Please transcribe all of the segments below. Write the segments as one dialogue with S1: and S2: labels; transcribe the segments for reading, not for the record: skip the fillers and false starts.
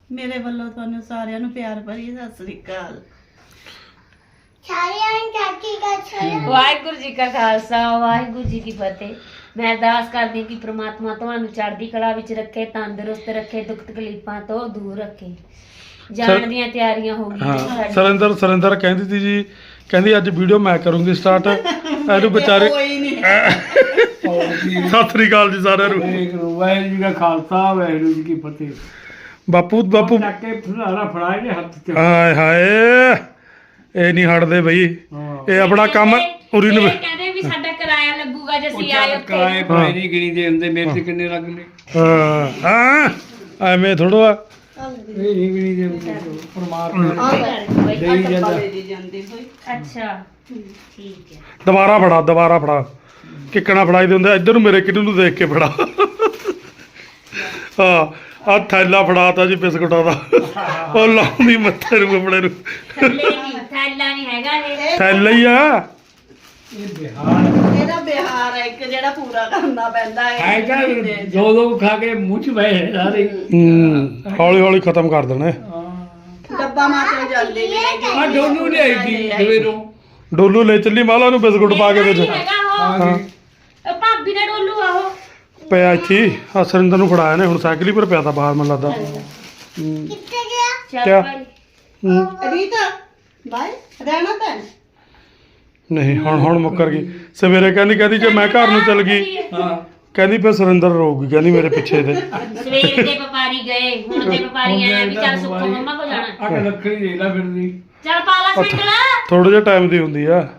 S1: ਮੇਰੇ ਵੱਲੋਂ ਤੁਹਾਨੂੰ ਸਾਰਿਆਂ ਨੂੰ ਪਿਆਰ ਭਰੀ ਸਤਿ ਸ੍ਰੀ ਅਕਾਲ।
S2: ਵਾਹਿਗੁਰੂ ਜੀ ਕਾ ਖਾਲਸਾ ਵਾਹਿਗੁਰੂ ਜੀ ਕੀ ਫਤਿਹ। ਮੈਂ ਅਰਦਾਸ ਕਰਦੀ ਕਿ ਪ੍ਰਮਾਤਮਾ ਤੁਹਾਨੂੰ ਚੜ੍ਹਦੀ ਕਲਾ ਵਿੱਚ ਰੱਖੇ, ਤੰਦਰੁਸਤ ਰੱਖੇ, ਦੁੱਖ ਤਕਲੀਫਾਂ ਤੋਂ ਦੂਰ ਰੱਖੇ। ਜਾਣ ਦੀਆਂ ਤਿਆਰੀਆਂ ਹੋ ਗਈਆਂ
S3: ਹਾਂ ਸਰਿੰਦਰ ਕਹਿੰਦੀ ਸੀ ਜੀ, ਕਹਿੰਦੀ ਅੱਜ ਵੀਡੀਓ ਮੈਂ ਕਰੂੰਗੀ ਸਟਾਰਟ। ਇਹਨੂੰ ਵਿਚਾਰੇ ਸਤਿ ਸ੍ਰੀ ਅਕਾਲ ਜੀ ਸਾਰਿਆਂ ਨੂੰ।
S4: ਵਾਹਿਗੁਰੂ ਜੀ ਕਾ ਖਾਲਸਾ ਵਾਹਿਗੁਰੂ ਜੀ ਕੀ ਫਤਿਹ।
S3: ਬਾਪੂ
S4: ਚੱਕ ਕੇ ਫੁਲਾਰਾ ਫੜਾਏ ਨੇ ਹੱਥ 'ਚ।
S3: ਹਾਏ ਹਾਏ ਇਹ ਨਹੀਂ ਹਟਦੇ ਬਈ, ਇਹ ਆਪਣਾ ਕੰਮ ਉਰੀ ਨੂੰ।
S2: ਕਹਿੰਦੇ ਵੀ ਸਾਡਾ ਕਿਰਾਇਆ ਲੱਗੂਗਾ ਜੇ ਅਸੀਂ ਆਏ ਉੱਤੇ।
S4: ਕਿਰਾਏ ਪਾਏ ਨਹੀਂ ਗਿਣੀ ਦੇ ਹੁੰਦੇ, ਮੇਰੇ ਤੇ ਕਿੰਨੇ ਲੱਗਨੇ।
S3: ਹਾਂ ਐਵੇਂ ਥੋੜਾ
S4: ਇਹ ਨਹੀਂ ਗਿਣੀ ਦੇ ਹੁੰਦੇ, ਪਰਮਾਤਮਾ ਦੇਈ ਜਾਂਦਾ।
S2: ਅੱਛਾ ਠੀਕ ਹੈ।
S3: ਦੁਬਾਰਾ ਫੜਾ ਕਿੱਕਣਾ ਫੜਾਈ ਦੇ ਹੁੰਦੇ। ਇੱਧਰ ਨੂੰ ਮੇਰੇ ਕਿੰਨੂ ਨੂੰ ਦੇਖ ਕੇ ਫੜਾ। ਹਾਂ ਆ ਥੈਲਾ ਫੜਾਤਾ ਜੀ ਬਿਸਕੁਟਾਂ ਦਾ। ਉਹ ਲਾਉਂਦੀ ਮੱਥੇ ਨੂੰ ਕੱਪੜੇ ਨੂੰ।
S2: ਥੈਲਾ ਨਹੀਂ ਹੈਗਾ ਇਹ,
S3: ਥੈਲਾ ਹੀ ਆ
S4: ਇਹ ਬਿਹਾਰ
S1: ਇਹਦਾ ਬਿਹਾਰ ਹੈ ਇੱਕ ਜਿਹੜਾ ਪੂਰਾ ਕਰਨਾ ਪੈਂਦਾ ਹੈ।
S4: ਹੈਗਾ ਦੋ ਖਾ ਕੇ ਮੂੰਹ 'ਚ ਬਹਿ ਸਾਰੇ।
S3: ਹੌਲੀ ਹੌਲੀ ਖਤਮ ਕਰ ਦੇਣੇ।
S1: ਡੱਬਾ ਮਾਰ ਕੇ ਜਾਂਦੇ ਨੇ
S4: ਆ ਡੋਲੂ ਲਿਆਈ ਦੀ ਸਵੇਰੋਂ।
S3: ਡੋਲੂ ਲੈ ਚੱਲੀ ਮਾਲਾ ਨੂੰ ਬਿਸਕੁਟ ਪਾ ਕੇ ਵਿੱਚ।
S2: ਉਹ ਭਾਬੀ ਦਾ ਡੋਲੂ ਆ ਉਹ
S3: ਪਿਆ ਇੱਥੇ ਆ ਸਰਿੰਦਰ ਨੂੰ ਫੜਾਇਆ ਨੇ। ਹੁਣ ਸਾਈਕਲ ਹੀ ਪਰ ਪਿਆ ਤਾ ਬਾਹਰ ਮੈਨੂੰ ਲੱਗਦਾ।
S2: ਚੱਲ
S3: ਕਿਆ?
S2: ਭਾਈ
S1: ਰੀਤਾ ਬਾਈ ਰਹਿਣਾ ਤਾਂ
S3: ਨਹੀਂ ਹੁਣ ਮੁੱਕਰ ਗਈ। ਸਵੇਰੇ ਕਹਿੰਦੀ ਜੇ ਮੈਂ ਘਰ ਨੂੰ ਚੱਲ ਗਈ,
S4: ਹਾਂ
S3: ਕਹਿੰਦੀ ਫਿਰ ਸਰਿੰਦਰ ਰੋਊਗੀ, ਕਹਿੰਦੀ ਮੇਰੇ ਪਿੱਛੇ ਤੇ।
S2: ਸਵੇਰ ਦੇ ਵਪਾਰੀ ਗਏ, ਹੁਣ ਦੇ ਵਪਾਰੀ ਆਇਆ ਵੀ ਚੱਲ ਸੁੱਖੋ ਮੰਮਾ ਕੋ ਜਾਣਾ।
S4: ਆ ਕੇ ਲੱਕੜੀ ਦੇ ਲਾ ਫਿਰਦੀ।
S2: ਚੱਲ ਪਾਲਾ ਸਿੰਗਲਾ।
S3: ਥੋੜੇ ਜਿਹਾ ਟਾਈਮ ਦੀ ਹੁੰਦੀ ਆ।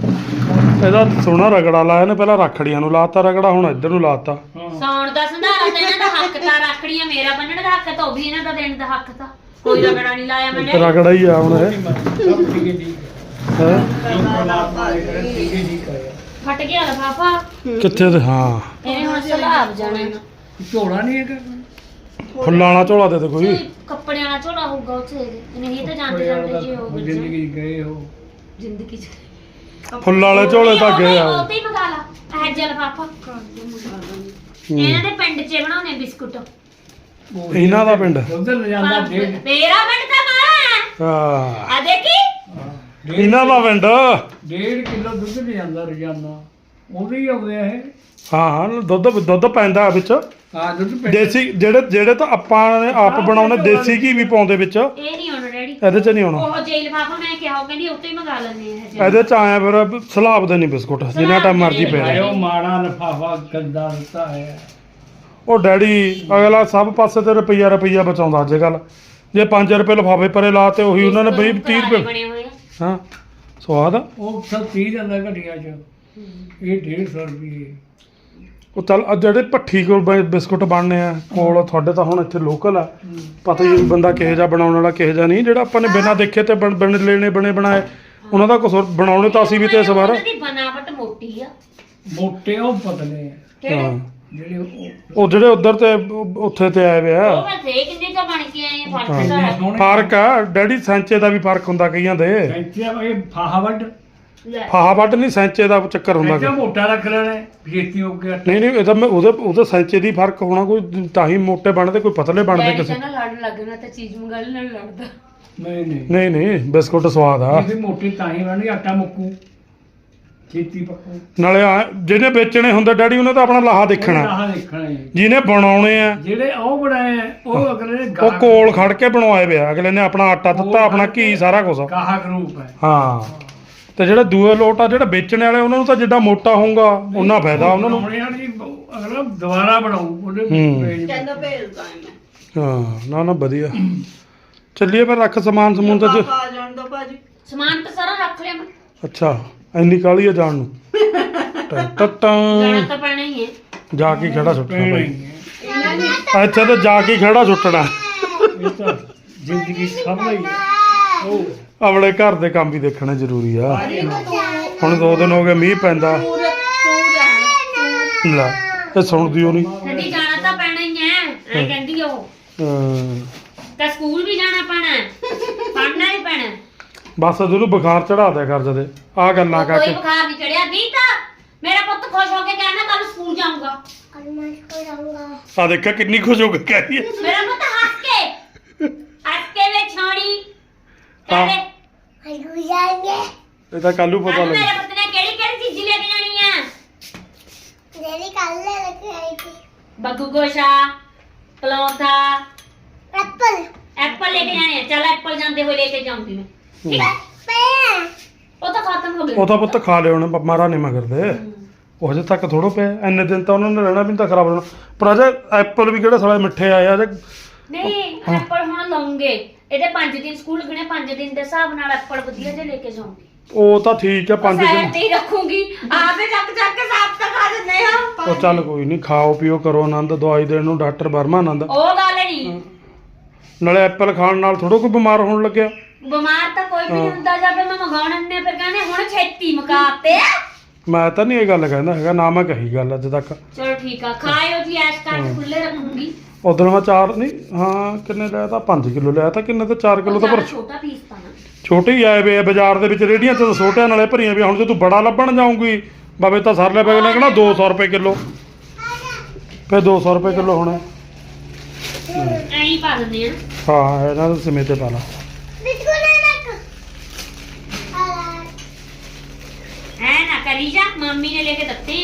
S3: ਇਹਦਾ ਸੋਹਣਾ ਰਗੜਾ ਲਾਇਆ ਨੇ, ਪਹਿਲਾਂ ਰਾਖੜੀਆਂ ਨੂੰ ਲਾਤਾ ਰਗੜਾ, ਹੁਣ ਇੱਧਰ ਨੂੰ ਲਾਤਾ।
S2: ਸੌਣ ਦਾ ਸੰਧਾਰਾ ਤੇ ਇਹਨਾਂ ਦਾ ਹੱਕ ਤਾਂ, ਰੱਖੜੀਆਂ ਮੇਰਾ ਬੰਨਣ ਦਾ ਹੱਕ ਤਾਂ, ਉਹ ਵੀ ਇਹਨਾਂ ਦਾ ਦੇਣ ਦਾ ਹੱਕ ਤਾਂ। ਕੋਈ ਰਗੜਾ ਨਹੀਂ ਲਾਇਆ ਮੈਨੇ।
S3: ਰਗੜਾ ਹੀ ਆ ਹੁਣ ਇਹ।
S4: ਸਭ ਠੀਕ ਹੈ ਠੀਕ ਹੈ।
S3: ਹੈਂ?
S4: ਪਰਮਾਤਮਾ ਦੇ ਕਰੇ ਠੀਕ ਹੈ ਠੀਕ ਹੈ।
S2: ਫਟ ਗਿਆ ਲਫਾਫਾ
S3: ਕਿੱਥੇ ਤੇ ਹਾਂ
S2: ਇਹਨੇ ਹੁਣ ਸਲਾਬ ਜਾਣਾ।
S4: ਝੋਲਾ ਨਹੀਂ ਹੈਗਾ।
S3: ਫੁੱਲਾਂ ਵਾਲਾ ਝੋਲਾ ਦੇ ਕੋਈ।
S2: ਕੱਪੜਿਆਂ ਵਾਲਾ ਝੋਲਾ ਹੋਊਗਾ ਉੱਥੇ, ਨਹੀਂ ਤਾਂ ਜਾਂਦੇ ਜਾਂਦੇ ਜੇ ਹੋ
S4: ਜ਼ਿੰਦਗੀ ਗਏ ਹੋ।
S2: ਜ਼ਿੰਦਗੀ ਚ
S3: ਫੁੱਲਾਂ ਵਾਲੇ ਝੋਲੇ ਤਾਂ ਗਏ ਆ।
S2: ਉਹ ਤੇ ਹੀ ਮੰਗਾ ਲਾ ਇਹ ਜਲ ਪਾਪਾ। ਇਹਨਾਂ ਦੇ ਪਿੰਡ 'ਚ ਬਣਾਉਣੇ ਬਿਸਕੁਟ।
S3: ਇਹਨਾਂ ਦਾ ਪਿੰਡ
S4: ਉਧਰ ਲੈ ਜਾਂਦਾ ਡੇਢ
S2: ਮੇਰਾ ਪਿੰਡ ਤਾਂ ਮਾਰਾ
S3: ਹਾਂ,
S2: ਆ ਦੇਖੀ
S3: ਇਹਨਾਂ ਦਾ ਪਿੰਡ।
S4: 1.5 ਕਿਲੋ ਦੁੱਧ ਲੈ ਜਾਂਦਾ ਰੋਜ਼ਾਨਾ। ਉਹਦੇ ਹੀ ਆਉਂਦੇ ਆ ਇਹ।
S3: ਹਾਂ ਦੁੱਧ ਪੈਂਦਾ ਵਿੱਚ।
S4: ਹਾਂ ਦੁੱਧ ਪੈ
S3: ਦੇਸੀ ਜਿਹੜੇ ਤਾਂ ਆਪਾਂ ਨੇ ਆਪ ਬਣਾਉਣੇ, ਦੇਸੀ ਘੀ ਵੀ ਪਾਉਂਦੇ ਵਿੱਚ।
S2: ਇਹ ਨਹੀਂ ਆਉਣਾ ਡੈਡੀ,
S3: ਇਹਦੇ ਚ ਨਹੀਂ ਆਉਣਾ।
S2: ਉਹ ਜੇਲ ਪਾਪਾ ਮੈਂ ਕਿਹਾ ਉਹ ਕਹਿੰਦੀ ਉੱਤੇ ਹੀ ਮੰਗਾ ਲੈਣੇ ਆ।
S3: ਇਹਦੇ ਚ ਆਇਆ ਫਿਰ ਸਲਾਬ ਦੇ ਨਹੀਂ ਬਿਸਕੁਟ, ਜਿੰਨਾ ਟਾਈਮ ਮਰਜ਼ੀ ਪੈ ਜਾਏ।
S4: ਉਹ ਮਾੜਾ ਲਿਫਾਫਾ ਗੰਦਾ ਦਿੱਤਾ ਹੈ।
S3: ਉਹ ਡੈਡੀ ਅਗਲਾ ਸਭ ਪਾਸੇ ਤੇ ਰੁਪਈਆ ਬਚਾਉਂਦਾ ਅੱਜ ਕੱਲ। ਜੇ 5 ਰੁਪਏ ਲਿਫਾਫੇ ਪਰੇ ਲਾ ਤੇ ਉਹੀ ਉਹਨਾਂ ਨੇ 20-30 ਰੁਪਏ।
S2: ਬਣੇ ਹੋਏ ਆ।
S3: ਹਾਂ ਸਵਾਦ ਆ।
S4: ਉਹ ਸਭ 30 ਜਾਂਦਾ ਘਟੀਆ ਚ। ਇਹ 150 ਰੁਪਏ।
S3: ਉਹ ਚੱਲ ਜਿਹੜੇ ਭੱਠੀ ਕੋਲ ਬਿਸਕੁਟ ਬਣਨੇ ਆ ਕੋਲ ਤੁਹਾਡੇ, ਤਾਂ ਹੁਣ ਇੱਥੇ ਲੋਕਲ ਆ, ਪਤਾ ਹੀ ਬੰਦਾ ਕਿਹੋ ਜਿਹਾ ਬਣਾਉਣ ਵਾਲਾ ਕਿਹੋ ਜਿਹਾ ਨਹੀਂ। ਜਿਹੜਾ ਆਪਾਂ ਨੇ ਬਿਨਾਂ ਦੇਖੇ ਤੇ ਬਣ ਲੈਣੇ ਬਣੇ ਬਣਾਏ, ਉਹਨਾਂ ਦਾ ਕੁਝ ਬਣਾਉਣੇ ਤਾਂ ਅਸੀਂ ਵੀ ਤੇ ਇਸ ਵਾਰ।
S2: ਉਹਨਾਂ ਦੀ ਬਨਾਵਟ ਮੋਟੀ ਆ।
S4: ਮੋਟੇ ਉਹ ਪਤਲੇ ਆ
S3: ਹਾਂ
S4: ਜਿਹੜੇ
S3: ਉਹ ਜਿਹੜੇ ਉਧਰ ਤੇ ਉੱਥੇ ਤੇ ਆਏ ਵੇ ਆ।
S2: ਉਹ ਮੈਂ ਦੇਖ ਕਿੰਨੇ ਤਾਂ ਬਣ ਕੇ ਆਏ ਆ। ਫਰਕ ਤਾਂ ਹੈ।
S3: ਫਰਕ ਆ ਡੈਡੀ, ਸੈਂਚੇ ਦਾ ਵੀ ਫਰਕ ਹੁੰਦਾ ਕਈਆਂ ਦੇ।
S4: ਇਹ ਫਾਹਾਵਟ
S2: ਲੈ
S3: ਫਾਹਾ ਵੱਟ ਨਹੀਂ, ਸੈਂਚੇ ਦਾ ਚੱਕਰ ਹੁੰਦਾ
S4: ਇੱਥੇ ਮੋਟਾ ਰੱਖ ਲੈਣਾ ਛੇਤੀ ਹੋ ਗਿਆ।
S3: ਨਹੀਂ ਇਹ ਤਾਂ ਮੈਂ ਉਹਦੇ ਸੈਂਚੇ ਦੀ ਫਰਕ ਹੋਣਾ, ਕੋਈ ਤਾਂ ਹੀ ਮੋਟੇ ਬਣਦੇ ਕੋਈ ਪਤਲੇ ਬਣਦੇ ਕਿਸੇ।
S2: ਕਹਿੰਦਾ ਲੜ ਲੱਗਣਾ ਤਾਂ ਚੀਜ਼ ਮੰਗਾ ਲੈ ਨਾਲ ਲੜਦਾ।
S4: ਨਹੀਂ
S3: ਬਿਸਕੁਟ ਸਵਾਦ ਆ।
S4: ਇਹ ਮੋਟੀ ਤਾਂ ਹੀ ਬਣਨੀ, ਆਟਾ ਮੁੱਕੂ ਛੇਤੀ ਪੱਕੂ।
S3: ਨਾਲੇ ਜਿਹਨੇ ਵੇਚਣੇ ਹੁੰਦੇ ਡੈਡੀ, ਉਹਨੇ ਤਾਂ ਆਪਣਾ ਲਾਹਾ ਦੇਖਣਾ।
S4: ਆਹ ਦੇਖਣਾ ਹੈ।
S3: ਜਿਹਨੇ ਬਣਾਉਣੇ ਆ
S4: ਜਿਹੜੇ ਉਹ ਬਣਾਏ ਆ, ਉਹ ਅਗਲੇ ਨੇ
S3: ਉਹ ਕੋਲ ਖੜ ਕੇ ਬਣਵਾਏ ਵੇ ਆ। ਅਗਲੇ ਨੇ ਆਪਣਾ ਆਟਾ ਦਿੱਤਾ, ਆਪਣਾ ਘੀ, ਸਾਰਾ ਕੁਝ।
S4: ਗਾਹਕ ਰੂਪ ਹੈ।
S3: ਹਾਂ ਤੇ ਜਿਹੜੇ ਦੂਏ ਲੋਟ ਆ, ਜਿਹੜੇ ਵੇਚਣ ਵਾਲੇ, ਉਹਨਾਂ ਨੂੰ ਤਾਂ ਜਿੱਡਾ ਮੋਟਾ ਹੋਊਗਾ ਉਹਨਾਂ ਫਾਇਦਾ ਉਹਨਾਂ ਨੂੰ।
S4: ਅਗਲਾ ਦੁਬਾਰਾ ਬਣਾਉ ਉਹਦੇ
S1: ਕਹਿੰਦਾ ਭੇਜਦਾ ਮੈਂ।
S3: ਹਾਂ ਨਾ ਵਧੀਆ। ਚੱਲੀਏ ਫਿਰ, ਰੱਖ ਸਮਾਨ ਸਮੂਨ ਤਾਂ
S1: ਆ ਜਾਣ ਦੋ ਭਾਜੀ।
S2: ਸਮਾਨ ਤਾਂ ਸਾਰਾ ਰੱਖ ਲਿਆ ਮੈਂ।
S3: ਅੱਛਾ ਇੰਨੀ ਕਾਹਲੀ ਆ ਜਾਣ ਨੂੰ।
S2: ਜਾਣਾ ਤਾਂ ਪੈਣਾ ਹੀ ਹੈ।
S3: ਜਾ ਕੇ ਖੜਾ ਸੁੱਟਣਾ ਭਾਈ,
S1: ਇਹਨਾਂ ਨੇ
S3: ਇੱਥੇ ਤੇ ਜਾ ਕੇ ਖੜਾ ਸੁੱਟਣਾ।
S4: ਇਹ ਤਾਂ ਜ਼ਿੰਦਗੀ ਸਭ ਲਈ ਹੈ। ਉਹ
S3: ਆਪਣੇ ਘਰ ਦੇ ਕੰਮ ਵੀ ਦੇਖਣੇ ਜ਼ਰੂਰੀ ਆ। ਹੁਣ 2 ਦਿਨ ਹੋ ਗਏ ਮੀਂਹ ਪੈਂਦਾ। ਲੈ ਇਹ ਸੁਣਦੀ ਉਹ ਨਹੀਂ।
S2: ਕਹਿੰਦੀ ਜਾਣਾ ਤਾਂ ਪੈਣਾ ਹੀ ਹੈ। ਐ ਕਹਿੰਦੀ ਉਹ ਤਾਂ ਸਕੂਲ ਵੀ ਜਾਣਾ ਪੈਣਾ, ਪੜ੍ਹਨਾ ਵੀ ਪੈਣਾ।
S3: ਬਸ ਤੈਨੂੰ ਬੁਖਾਰ ਚੜਾ ਦਿਆ ਕਰ ਜਦੇ ਆ ਗੱਲਾਂ
S2: ਕੋਈ
S3: ਕਰਕੇ।
S2: ਬੁਖਾਰ ਨਹੀਂ ਚੜਿਆ। ਦੀਤਾ ਮੇਰਾ ਪੁੱਤ ਖੁਸ਼ ਹੋ ਕੇ ਕਹਿੰਦਾ ਕੱਲ ਸਕੂਲ ਜਾਊਂਗਾ।
S3: ਆ ਦੇਖਿਆ ਕਿੰਨੀ ਖੁਸ਼ ਹੋ ਕੇ ਕਹਿ ਰਹੀ ਹੈ।
S2: ਮੇਰਾ ਪੁੱਤ ਹੱਸ ਕੇ
S3: ਹਾਂ
S2: ਕਹਿੰਦੇ
S3: ਇਹ ਤਾਂ ਕੱਲੂ ਪਤਾ
S2: ਕੱਲ
S3: ਲੱਗ
S2: ਮੇਰੇ ਪੁੱਤ ਨੇ ਕਿਹੜੀ ਕਿਹੜੀ ਚੀਜ਼ ਲੈ ਕੇ ਜਾਣੀ ਆ ਬੱਗੂ ਗੋਸ਼ਾ ਪਲੌਂਠਾ ਐਪਲ ਲੈ ਕੇ ਜਾਣੇ ਆ। ਚੱਲ ਐਪਲ ਜਾਂਦੇ ਹੋਏ ਲੈ ਕੇ ਜਾਊਂਗੀ ਮੈਂ ਠੀਕ ਹੈ ਉਹ ਤਾਂ ਖਤਮ ਹੋ ਗਏ
S3: ਉਹ ਤਾਂ ਪੁੱਤ ਖਾ ਲਿਓ ਉਹਨੇ ਮਾਰਾ ਨਹੀਂ ਮਗਰ ਦੇ ਉਹ ਹਜੇ ਤੱਕ ਥੋੜੋ ਪਿਆ ਇੰਨੇ ਦਿਨ ਤਾਂ ਉਹਨਾਂ ਨੇ ਰਹਿਣਾ ਵੀ ਨਹੀਂ ਤਾਂ ਖਰਾਬ ਹੋਣਾ ਪਰ ਅਜੇ ਐਪਲ ਵੀ ਕਿਹੜੇ ਸਾਲੇ ਮਿੱਠੇ ਆਏ ਆ ਜੇ
S2: ਨਹੀਂ ਐਪਲ ਹੁਣ ਲਾਉਂਗੇ ਇਹਦੇ 5 ਦਿਨ ਸਕੂਲ ਲੱਗਣੇ 5 ਦਿਨ ਦੇ ਹਿਸਾਬ ਨਾਲ ਐਪਲ ਵਧੀਆ ਜੇ ਲੈ ਕੇ ਜਾਊਂਗੀ
S3: ਉਹ ਤਾਂ ਠੀਕ ਹੈ 5
S2: ਸਾਈਡ
S3: ਦਿਨ
S2: ਤੇ ਹੀ ਰੱਖੂੰਗੀ ਆਪੇ ਚੱਕ ਚੱਕ ਕੇ ਸਾਫ ਤਾਂ ਖਾ ਦਿੰਦੇ ਆ
S3: ਉਹ ਚੱਲ ਕੋਈ ਨਹੀਂ ਖਾਓ ਪੀਓ ਕਰੋ ਆਨੰਦ ਦਵਾਈ ਦੇਣ ਨੂੰ ਡਾਕਟਰ ਵਰਮਾ ਆਨੰਦ
S2: ਉਹ ਗੱਲ ਨਹੀਂ
S3: ਨਾਲੇ ਐਪਲ ਖਾਣ ਨਾਲ ਥੋੜਾ ਕੋਈ ਬਿਮਾਰ ਹੋਣ ਲੱਗਿਆ
S2: ਬਿਮਾਰ ਤਾਂ ਕੋਈ ਵੀ ਨਹੀਂ ਹੁੰਦਾ ਜਾਵੇ ਮੈਂ ਮੰਗਾਉਣ ਨੇ ਫਿਰ ਕਹਿੰਦੇ ਹੁਣ ਛੇਤੀ ਮੁਕਾਤੇ
S3: ਮੈਂ ਤਾਂ ਨਹੀਂ ਇਹ ਗੱਲ ਕਹਿੰਦਾ ਹੈਗਾ ਨਾ ਮੈਂ ਕਹੀ ਗੱਲ ਅੱਜ ਤੱਕ
S2: ਚਲੋ ਠੀਕ ਆ ਖਾਇਓ ਜੀ ਐਸ਼ ਕਰਕੇ ਖੁੱਲੇ ਰੱਖੂੰਗੀ
S3: ਉਦੋਂ ਮੈਂ 4 ਨਹੀਂ ਹਾਂ ਕਿੰਨੇ ਲਿਆ ਤਾਂ 5 ਕਿਲੋ ਲਿਆ ਤਾਂ ਕਿੰਨੇ ਤਾਂ 4 ਕਿਲੋ ਤਾਂ ਪਰ
S2: ਛੋਟਾ ਪੀਸ ਪਾਣਾ
S3: ਛੋਟੇ ਹੀ ਆਏ ਵੇ ਆ ਬਾਜ਼ਾਰ ਦੇ ਵਿੱਚ ਰੇੜੀਆਂ 'ਚ ਤਾਂ ਛੋਟਿਆਂ ਨਾਲੇ ਭਰੀਆਂ ਵੀ ਹੁਣ ਜੇ ਤੂੰ ਬੜਾ ਲੱਭਣ ਜਾਊਂਗੀ ਬਾਬੇ ਤਾਂ ਸਰ ਲੈ ਪੈ ਲੱਗਣਾ 200 ਰੁਪਏ ਕਿਲੋ ਫਿਰ 200 ਰੁਪਏ ਕਿਲੋ ਹੋਣਾ
S2: ਐਂ ਹੀ ਪਾ ਦਿੰਦੇ ਆ
S3: ਹਾਂ ਇਹਨਾਂ ਦੇ ਸਮੇਂ ਤੇ ਪਾ ਲਾ
S2: ਐ ਨਾ ਕਰੀ ਜਾ ਮੰਮੀ ਨੇ ਲੈ ਕੇ ਦਿੱਤੀ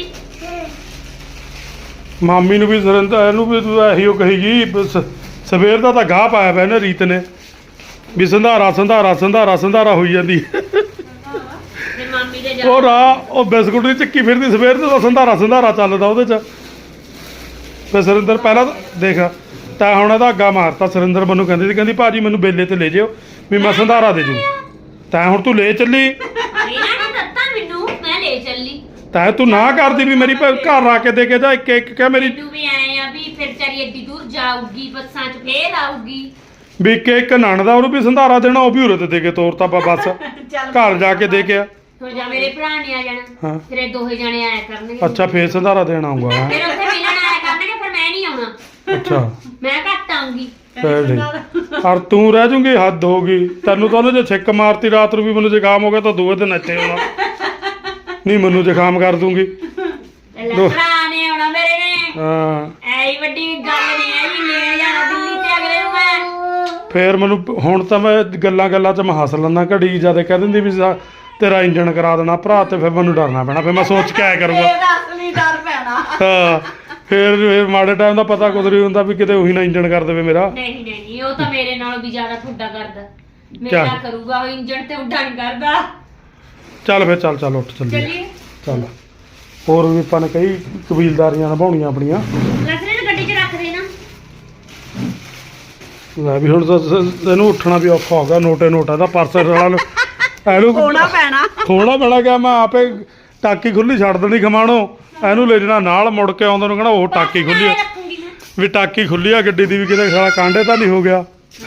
S3: ਮਾਮੀ ਨੂੰ ਵੀ ਸਰਿੰਦਰ ਇਹਨੂੰ ਵੀ ਤੂੰ ਇਹੀ ਉਹ ਕਹੀਗੀ ਸਵੇਰ ਦਾ ਤਾਂ ਗਾਹ ਪਾਇਆ ਪਿਆ ਇਹਨੇ ਰੀਤ ਨੇ ਵੀ ਸੰਧਾਰਾ ਸੰਧਾਰਾ ਸੰਧਾਰਾ ਸੰਧਾਰਾ ਹੋਈ ਜਾਂਦੀ
S2: ਤੇ ਮੰਮੀ ਦੇ ਜਾ
S3: ਉਹ ਰਾਹ ਉਹ ਬਿਸਕੁਟ ਦੀ ਚੱਕੀ ਫਿਰਦੀ ਸਵੇਰ ਤੋਂ ਤਾਂ ਸੰਧਾਰਾ ਸੰਧਾਰਾ ਚੱਲਦਾ ਉਹਦੇ 'ਚ ਫਿਰ ਸਰਿੰਦਰ ਪਹਿਲਾਂ ਤਾਂ ਦੇਖ ਤਾਂ ਹੁਣ ਇਹਦਾ ਅੱਗਾ ਮਾਰਤਾ ਸਰਿੰਦਰ ਮੈਨੂੰ ਕਹਿੰਦੀ ਸੀ ਕਹਿੰਦੀ ਭਾਜੀ ਮੈਨੂੰ ਬੇਲੇ ਤੇ ਲੈ ਜਿਓ ਵੀ ਮੈਂ ਸੰਧਾਰਾ ਦੇ ਜੂ ਤਾਂ ਹੁਣ ਤੂੰ ਲੈ ਚੱਲੀ
S2: ਇਹਨਾਂ ਨੇ ਦਿੱਤਾ ਮੈਨੂੰ ਮੈਂ ਲੈ ਚੱਲੀ
S3: ਤਾਂ ਤੂੰ ਨਾ ਕਰਦੀ ਵੀ ਮੇਰੀ ਘਰ ਆ ਕੇ ਦੇ ਕੇ ਜਾ ਇੱਕ ਇੱਕ ਕਹਿ ਮੇਰੀ
S2: ਮੈਨੂੰ ਵੀ ਆਏ ਆ ਵੀ ਫਿਰ ਚਾਰੀ ਏਡੀ ਦੂਰ ਜਾਊਗੀ ਬੱਸਾਂ 'ਚ ਫੇਰ ਆਊਗੀ
S3: ਵੀ ਇੱਕ ਨਣ ਦਾ ਉਹਨੂੰ ਵੀ ਸੰਧਾਰਾ ਦੇਣਾ ਉਹ ਵੀ ਉਰੇ ਤੇ ਦੇ ਕੇ ਤੋਰਤਾ ਬਸ ਘਰ ਜਾ ਕੇ ਦੇ ਕੇ ਆ
S2: ਹੁਣ ਜਾਂ ਮੇਰੇ ਭਰਾ ਨੇ ਆ ਜਾਣਾ
S3: ਹਾਂ
S2: ਫਿਰ ਇਹ ਦੋਹੇ ਜਣੇ ਆਇਆ ਕਰਨਗੇ
S3: ਅੱਛਾ ਫੇਰ ਸੰਧਾਰਾ ਦੇਣ ਆਊਗਾ ਹੈਂ?
S2: ਫਿਰ ਉੱਥੇ ਮਿਲਣ ਆਇਆ ਕਰਨਗੇ ਫਿਰ ਮੈਂ ਨਹੀਂ ਆਉਣਾ
S3: ਅੱਛਾ
S2: ਮੈਂ ਘੱਟ ਆਉਂਗੀ
S3: ਫੇਰ ਠੀਕ ਔਰ ਤੂੰ ਰਹਿ ਜੂਗੀ ਹੱਦ ਹੋ ਗਈ ਤੈਨੂੰ ਤਾਂ ਉਹਨੇ ਜੇ ਛਿੱਕ ਮਾਰਤੀ ਰਾਤ ਨੂੰ ਵੀ ਮੈਨੂੰ ਜ਼ੁਕਾਮ ਹੋ ਗਿਆ ਤਾਂ ਦੂਏ ਦਿਨ ਇੱਥੇ ਆਉਣਾ ਨਹੀਂ ਮੈਨੂੰ ਜ਼ੁਕਾਮ ਕਰ ਦੂੰਗੀ
S2: ਭਰਾ ਨੇ ਆਉਣਾ ਮੇਰੇ ਨੇ
S3: ਹਾਂ
S2: ਐਈ ਵੱਡੀ ਗੱਲ ਨਹੀਂ ਹੈ ਜੀ ਲੈ ਜਾਣਾ ਦਿੱਲੀ ਤੇ ਅਗਲੇ ਨੂੰ ਮੈਂ
S3: ਫੇਰ ਮੈਨੂੰ ਹੁਣ ਤਾਂ ਮੈਂ ਗੱਲਾਂ 'ਚ ਮੈਂ ਹੱਸ ਲੈਂਦਾ ਘੜੀ ਜਿਆਦਾ ਕਹਿ ਦਿੰਦੀ ਵੀ ਤੇਰਾ ਇੰਜਣ ਕਰਾ ਦੇਣਾ ਭਰਾ ਤੇ ਫਿਰ ਮੈਨੂੰ ਡਰਨਾ ਪੈਣਾ ਫਿਰ ਮੈਂ ਸੋਚ ਕੇ ਆਇਆ ਕਰੂੰਗਾ
S1: ਇਹਦਾ ਅਸਲੀ ਡਰ ਪੈਣਾ
S3: ਹਾਂ ਫੇਰ ਮਾੜੇ ਟਾਈਮ ਦਾ ਪਤਾ ਕੁਝ ਨਹੀਂ ਹੁੰਦਾ ਵੀ ਕਿਤੇ ਉਹੀ ਨਾ ਇੰਜਣ ਕਰ ਦੇਵੇ ਮੇਰਾ
S2: ਨਹੀਂ ਨਹੀਂ ਉਹ ਤਾਂ ਮੇਰੇ ਨਾਲੋਂ ਵੀ ਜ਼ਿਆਦਾ ਠੁੱਡਾ ਕਰਦਾ
S3: ਕਿਆ?
S2: ਮੇਰਾ ਕਰੂਗਾ ਉਹ ਇੰਜਣ ਤੇ ਉੱਡਾ ਨਹੀਂ ਕਰਦਾ
S3: ਚੱਲ ਫੇਰ ਚੱਲ ਉੱਠ ਚੱਲੀਏ
S2: ਚੱਲੀਏ
S3: ਚੱਲ ਹੋਰ ਵੀ ਆਪਾਂ ਨੇ ਕਈ ਕਬੀਲਦਾਰੀਆਂ ਨਿਭਾਉਣੀਆਂ ਆਪਣੀਆਂ
S2: ਲਸਰੇ ਨੂੰ ਗੱਡੀ 'ਚ ਰੱਖ ਦੇ ਨਾ
S3: ਲੈ ਵੀ ਹੁਣ ਤਾਂ ਇਹਨੂੰ ਉੱਠਣਾ ਵੀ ਔਖਾ ਹੋ ਗਿਆ ਨੋਟਾ ਦਾ ਪਰਸ ਰਲਾ ਇਹਨੂੰ
S1: ਹੋਣਾ ਪੈਣਾ
S3: ਥੋੜਾ ਬੜਾ ਗਿਆ ਮੈਂ ਆਪੇ ਟਾਕੀ ਖੁੱਲੀ ਛੱਡ ਦੇਣੀ ਖਮਾਣੋ ਇਹਨੂੰ ਲੈ ਜਾਣਾ ਨਾਲ ਮੁੜ ਕੇ ਆਉਂਦਾ ਨੂੰ ਕਹਣਾ ਉਹ ਟਾਕੀ ਖੁੱਲੀ ਆ
S2: ਰੱਖੂੰਗੀ ਮੈਂ
S3: ਵੀ ਟਾਕੀ ਖੁੱਲੀ ਆ ਗੱਡੀ ਦੀ ਵੀ ਕਿਤੇ ਸਾਲਾ ਕਾਂਡੇ ਤਾਂ ਨਹੀਂ ਹੋ ਗਿਆ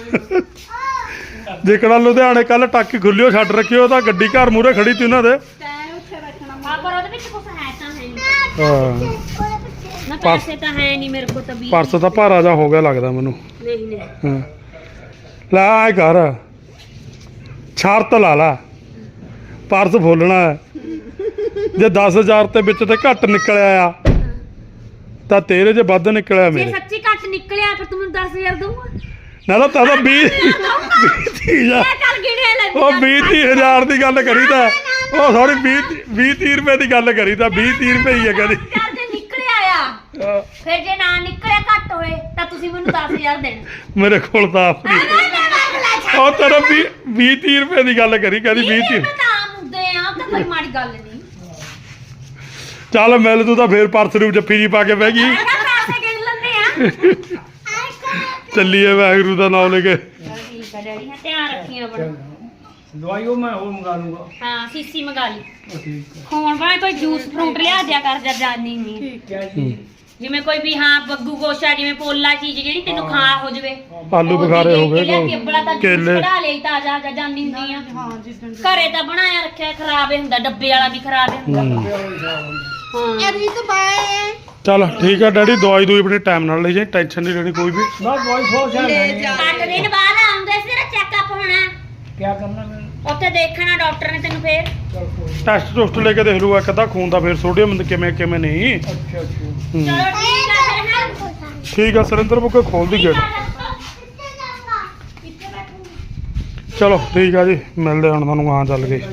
S3: ਜੇਕਰ ਲੁਧਿਆਣੇ ਕੱਲ ਟਾਕੀ ਖੁੱਲਿਓ ਛੱਡ ਰੱਖਿਓ ਤਾਂ ਗੱਡੀ ਘਰ ਮੂਹਰੇ ਖੜੀ ਤੀ ਉਹਨਾਂ ਦੇ
S2: ਹਾਂ ਪਰ ਉਹਦੇ ਵਿੱਚ ਕੁਝ ਹੈ ਤਾਂ ਹੈ ਨਹੀਂ
S3: ਹਾਂ
S2: ਨਾ ਪੈਸੇ ਤਾਂ ਹੈ ਨਹੀਂ ਮੇਰੇ ਕੋਲ ਤਾਂ ਵੀ
S3: ਪਰਸ ਤਾਂ ਭਾਰਾ ਜਾ ਹੋ ਗਿਆ ਲੱਗਦਾ ਮੈਨੂੰ
S2: ਨਹੀਂ ਨਹੀਂ
S3: ਹਾਂ ਲੈ ਆਏ ਘਰ ਸ਼ਰਤ ਲਾ ਲਾ ਪਰਸ ਫੋਲਣਾ ਹੈ ਜੇ 10000 ਤੇ ਵਿੱਚ ਤੇ ਘੱਟ ਨਿਕਲਿਆ ਆ ਤਾਂ ਤੇਰੇ ਜੇ ਵੱਧ ਨਿਕਲਿਆ
S2: ਜੇ
S3: ਮੇਰੇ
S2: ਸੱਚੀ ਘੱਟ ਨਿਕਲਿਆ ਫਿਰ ਤੂੰ ਮੈਨੂੰ 10000 ਦਊਂਗਾ
S3: ਨਾ ਤਾਂ ਤਾਂ 20
S2: ਇਹ ਚੱਲ ਗਿਣਿਆ ਲੈ
S3: ਉਹ 20-30 ਦੀ ਗੱਲ ਕਰੀ ਤਾਂ ਉਹ ਥੋੜੀ 20-30 ਰੁਪਏ ਦੀ ਗੱਲ ਕਰੀ ਤਾਂ 20-30 ਰੁਪਏ ਹੀ ਹੈ ਕਹਿੰਦੀ
S2: ਚੱਲ ਜੇ ਨਿਕਲਿਆ ਆ ਫਿਰ ਜੇ ਨਾ ਨਿਕਲਿਆ ਘੱਟ ਹੋਏ ਤਾਂ ਤੁਸੀਂ ਮੈਨੂੰ 10000 ਦੇਣਾ
S3: ਮੇਰੇ ਕੋਲ ਤਾਂ ਆਪਣੀ ਉਹ ਤੇਰਾ 20-30 ਰੁਪਏ ਦੀ ਗੱਲ ਕਰੀ ਕਹਿੰਦੀ 20-30
S2: ਤਾਂ ਮੁੱਦੇ ਆ ਤਾਂ ਕੋਈ ਮਾੜੀ ਗੱਲ ਨਹੀਂ
S3: ਚੱਲ ਮਿਲ ਤੂੰ ਤਾਂ ਫੇਰ ਪਰਸ ਨੂੰ ਜੱਫੀ ਜੀ ਪਾ ਕੇ ਬਹਿ ਗਈ
S2: ਪੈਸੇ ਗਿਣ ਲੈਂਦੇ ਆ
S3: ਚੱਲੀਏ ਵਾਹਿਗੁਰੂ ਦਾ ਨਾਮ ਲੈ ਕੇ
S2: ਠੀਕ ਆ ਡੈਡੀ ਹਾਂ ਧਿਆਨ ਰੱਖੀ ਆਪਣਾ
S4: ਦਵਾਈ ਉਹ ਮੈਂ ਹੋਰ ਮੰਗਾ ਲੂੰਗਾ
S2: ਹਾਂ ਸੀਸੀ ਮੰਗਾ ਲਈ
S4: ਠੀਕ ਹੈ
S2: ਹੁਣ ਭਾਵੇਂ ਕੋਈ ਜੂਸ ਫਰੂਟ ਲਿਆ ਦਿਆ ਕਰ ਜਾਂ ਜਾਨੀ ਨਹੀਂ
S4: ਕਿਆ ਜੀ
S2: ਜਿਵੇਂ ਕੋਈ ਵੀ ਹਾਂ ਬੱਗੂ ਗੋਸ਼ਾ ਜਿਵੇਂ ਪੋਲਾ ਚੀਜ਼ ਜਿਹੜੀ ਤੈਨੂੰ ਖਾ ਹੋ ਜਵੇ
S3: ਆਲੂ ਬੁਖਾਰੇ ਹੋ ਗਏ
S2: ਕੇਲੇ
S3: ਕੇਲੇ
S2: ਕਢਾ ਲਈ ਤਾਜ਼ਾ ਜਾਂ ਜਾਂਦੀ ਹੁੰਦੀ ਆ
S1: ਹਾਂ ਜਿੱਦਣ
S2: ਘਰੇ ਤਾਂ ਬਣਾਇਆ ਰੱਖਿਆ ਖਰਾਬ ਹੀ ਹੁੰਦਾ ਡੱਬੇ ਵਾਲਾ ਵੀ ਖਰਾਬ ਹੀ ਹੁੰਦਾ ਹਾਂ
S1: ਰੀਤ ਬਾਏ
S3: ਚੱਲ ਠੀਕ ਆ ਡੈਡੀ ਦਵਾਈ ਦੂਈ ਆਪਣੀ ਟਾਈਮ ਨਾਲ ਲੈ ਜਾਈ ਟੈਨਸ਼ਨ ਨਹੀਂ ਲੈਣੀ ਕੋਈ ਵੀ
S4: ਨਾ ਦਵਾਈ ਸੋਚ
S1: ਲੈ
S4: ਹੈ
S1: ਜਾ
S2: 8 ਦਿਨ ਬਾਅਦ ਆਉਂਦੇ ਸੀ ਤੇਰਾ ਚੈੱਕਅਪ ਹੋਣਾ
S4: ਕਿਆ ਕਰਨਾ ਮੈਂ
S2: ਉੱਥੇ ਦੇਖਣਾ ਡਾਕਟਰ ਨੇ ਤੈਨੂੰ ਫੇਰ
S4: ਚਲ ਕੋਈ
S3: ਟੈਸਟ ਟੁਸਟ ਲੈ ਕੇ ਦੇਖ ਲੂਗਾ ਇੱਕ ਤਾਂ ਖੂਨ ਦਾ ਫੇਰ ਸੋਡੀਅਮ ਕਿਵੇਂ ਨਹੀਂ
S4: ਅੱਛਾ
S3: ਹੂੰ।
S2: ਚਲੋ ਠੀਕ ਆ ਫਿਰ ਹਾਂ
S3: ਠੀਕ ਆ ਸਰਿੰਦਰ ਬੁੱਕੇ ਖੋਲ ਦੀ ਗੇਟ ਚਲੋ ਠੀਕ ਆ ਜੀ, ਮਿਲਦੇ ਹੁਣ ਤੁਹਾਨੂੰ ਆ ਚੱਲ ਗਏ।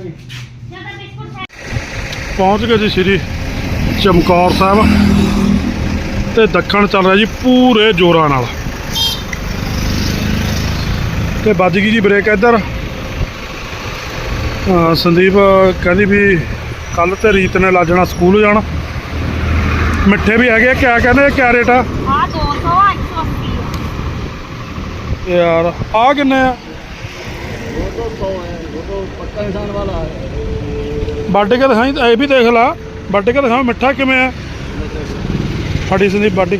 S3: ਪਹੁੰਚ ਗਏ ਜੀ ਸ਼੍ਰੀ ਚਮਕੌਰ ਸਾਹਿਬ ਤੇ ਦੱਖਣ ਚੱਲ ਰਿਹਾ ਜੀ ਪੂਰੇ ਜ਼ੋਰਾਂ ਨਾਲ ਤੇ ਵੱਜ ਗਈ ਜੀ ਬ੍ਰੇਕ ਇੱਧਰ। ਸੰਦੀਪ ਕਹਿੰਦੀ ਵੀ ਕੱਲ ਤੇ ਰੀਤ ਨੇ ਲੱਗ ਜਾਣਾ ਸਕੂਲ ਜਾਣਾ। ਮਿੱਠੇ ਵੀ ਹੈਗੇ ਆ, ਕਿਆ ਕਹਿੰਦੇ ਕਿਆ ਰੇਟ ਆ?
S2: 200 180
S3: ਯਾਰ ਆ ਕਿੰਨੇ ਆ?
S4: 200 ਹੈ, वो पक्का इंसान वाला है।
S3: ਵੱਢ ਕੇ ਦਿਖਾਈ, ਇਹ ਵੀ ਦੇਖ ਲਾ, ਵੱਢ ਕੇ ਦਿਖਾ ਮਿੱਠਾ ਕਿਵੇਂ ਆ। ਫੜੀ ਸੰਦੀਪ ਬਾਡੀ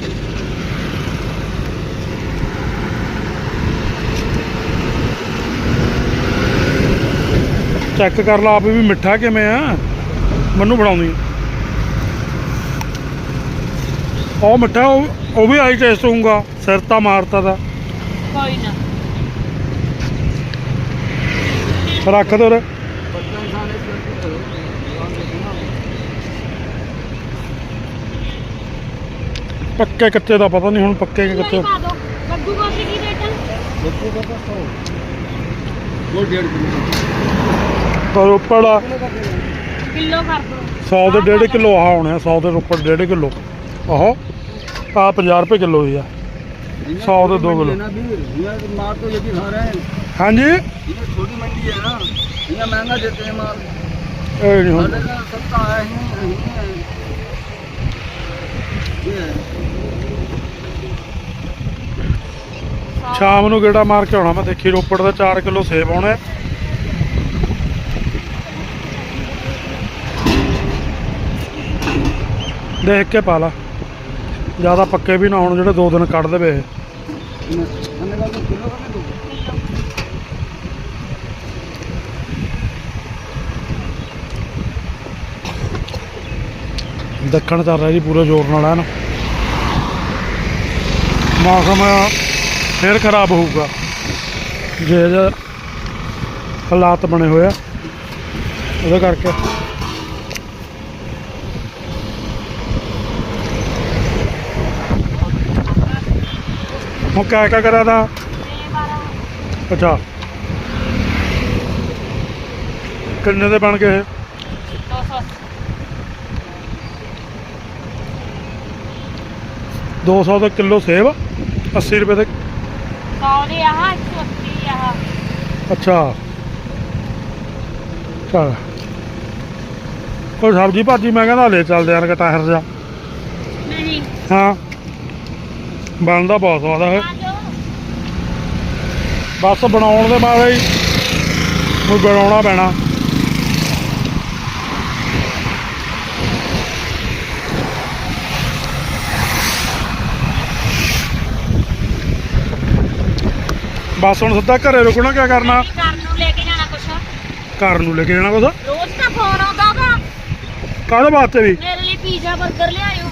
S3: ਚੈੱਕ ਕਰ ਲਾ ਆਪ ਵੀ ਮਿੱਠਾ ਕਿਵੇਂ ਆ। ਮੈਨੂੰ ਬਣਾਉਂਦੀ ਉਹ ਮਿੱਠਾ, ਉਹ ਵੀ ਆਈ ਟੇਸਟ ਹੋਊਗਾ। ਸਿਰ ਤਾਂ ਮਾਰਤਾ ਦਾ,
S2: ਕੋਈ ਨਾ
S3: ਰੱਖ ਦੇ ਉਰੇ।
S4: पक्का इंसान है, दुकान देखो ना।
S3: ਪੱਕੇ ਕੱਚੇ ਦਾ ਪਤਾ ਨਹੀਂ ਹੁਣ, ਪੱਕੇ ਕਿ ਕੱਚੇ।
S2: ਪਾ ਦੋ ਕੱਦੂ ਗੋਭੀ ਕੀ ਰੇਟ ਹੈ?
S4: बच्चों का तो 100, वो 1.5 किलो।
S3: ਪਰ ਉੱਪਰ ਆ
S2: ਕਿਲੋ ਕਰ ਦੋ
S3: 100 ਦੇ 1.5 ਕਿਲੋ ਆਹ ਹੋਣੇ ਆ। 100 ਦੇ ਉੱਪਰ 1.5 ਕਿਲੋ ਆਹੋ ਆ 50 ਰੁਪਏ ਕਿਲੋ ਹੀ ਆ। 100 ਦੇ 2 किलो।
S4: लेना भी यहाँ माल तो यही खा रहे हैं।
S3: ਹਾਂਜੀ
S4: ये छोटी मंडी है ना, यहाँ महंगा देते हैं माल।
S3: ਇਹ ਨਹੀਂ ਹੁਣ
S4: पहले का सस्ता है ही है। ये है।
S3: ਸ਼ਾਮ ਨੂੰ ਗੇੜਾ ਮਾਰ ਕੇ ਆਉਣਾ ਮੈਂ, ਦੇਖੀ ਰੋਪੜ ਦਾ 4 ਕਿਲੋ ਸੇਬ ਆਉਣੇ। ਦੇਖ ਕੇ ਪਾ ਲਾ, ਜ਼ਿਆਦਾ ਪੱਕੇ ਵੀ ਨਾ ਹੋਣ ਜਿਹੜੇ 2 ਦਿਨ ਕੱਢ ਦੇਵੇ ਇਹ।
S4: हमने कहा तो किलो का दो।
S3: ਦੱਖਣ ਚੱਲ ਰਿਹਾ ਜੀ ਪੂਰੇ ਜ਼ੋਰ ਨਾਲ ਐਨ। ਮੌਸਮ ਫਿਰ ਖਰਾਬ ਹੋਊਗਾ ਜੇ ਹਾਲਾਤ ਬਣੇ ਹੋਏ ਆ ਉਹਦੇ ਕਰਕੇ। ਹੁਣ ਕਿਆ ਕਿਆ ਕਰਿਆ ਤਾ? ਅੱਛਾ ਕਿੰਨੇ ਦੇ ਬਣ ਗਏ ਇਹ? 200 ਦਾ ਕਿਲੋ ਸੇਬ, 80 ਰੁਪਏ ਦੇ।
S2: 100 ਦੇ ਆਹ 180 ਆਹ।
S3: ਅੱਛਾ ਚਲ ਕੋਈ ਸਬਜ਼ੀ ਭਾਜੀ ਮੈਂ ਕਹਿੰਦਾ ਲੈ ਚੱਲਦੇ ਯਾਰ ਕਟਾਹਰ ਜਾ।
S2: ਨਹੀਂ
S3: ਹਾਂ ਬਣਦਾ ਬਹੁਤ ਸਵਾਦ ਹੈ। ਬਸ ਬਣਾਉਣ ਦੇ ਬਾਅਦ ਹੀ ਕੋਈ ਬਣਾਉਣਾ ਪੈਣਾ। ਬਸ ਹੁਣ ਸਿੱਧਾ ਘਰੇ ਰੁਕਣਾ, ਕਿਆ ਕਰਨਾ?
S2: ਘਰ ਨੂੰ ਲੈ ਕੇ ਜਾਣਾ ਕੁਛ,
S3: ਘਰ ਨੂੰ ਲੈ ਕੇ ਜਾਣਾ ਕੁਛ?
S2: ਰੋਜ਼ ਤਾਂ ਫੋਨ ਆਉਂਦਾ ਵਾ
S3: ਕਾਹਦੇ ਵਾਸਤੇ ਵੀ?
S2: ਮੇਰੇ ਲਈ ਪੀਜ਼ਾ 버ਗਰ ਲਿਆਇਓ।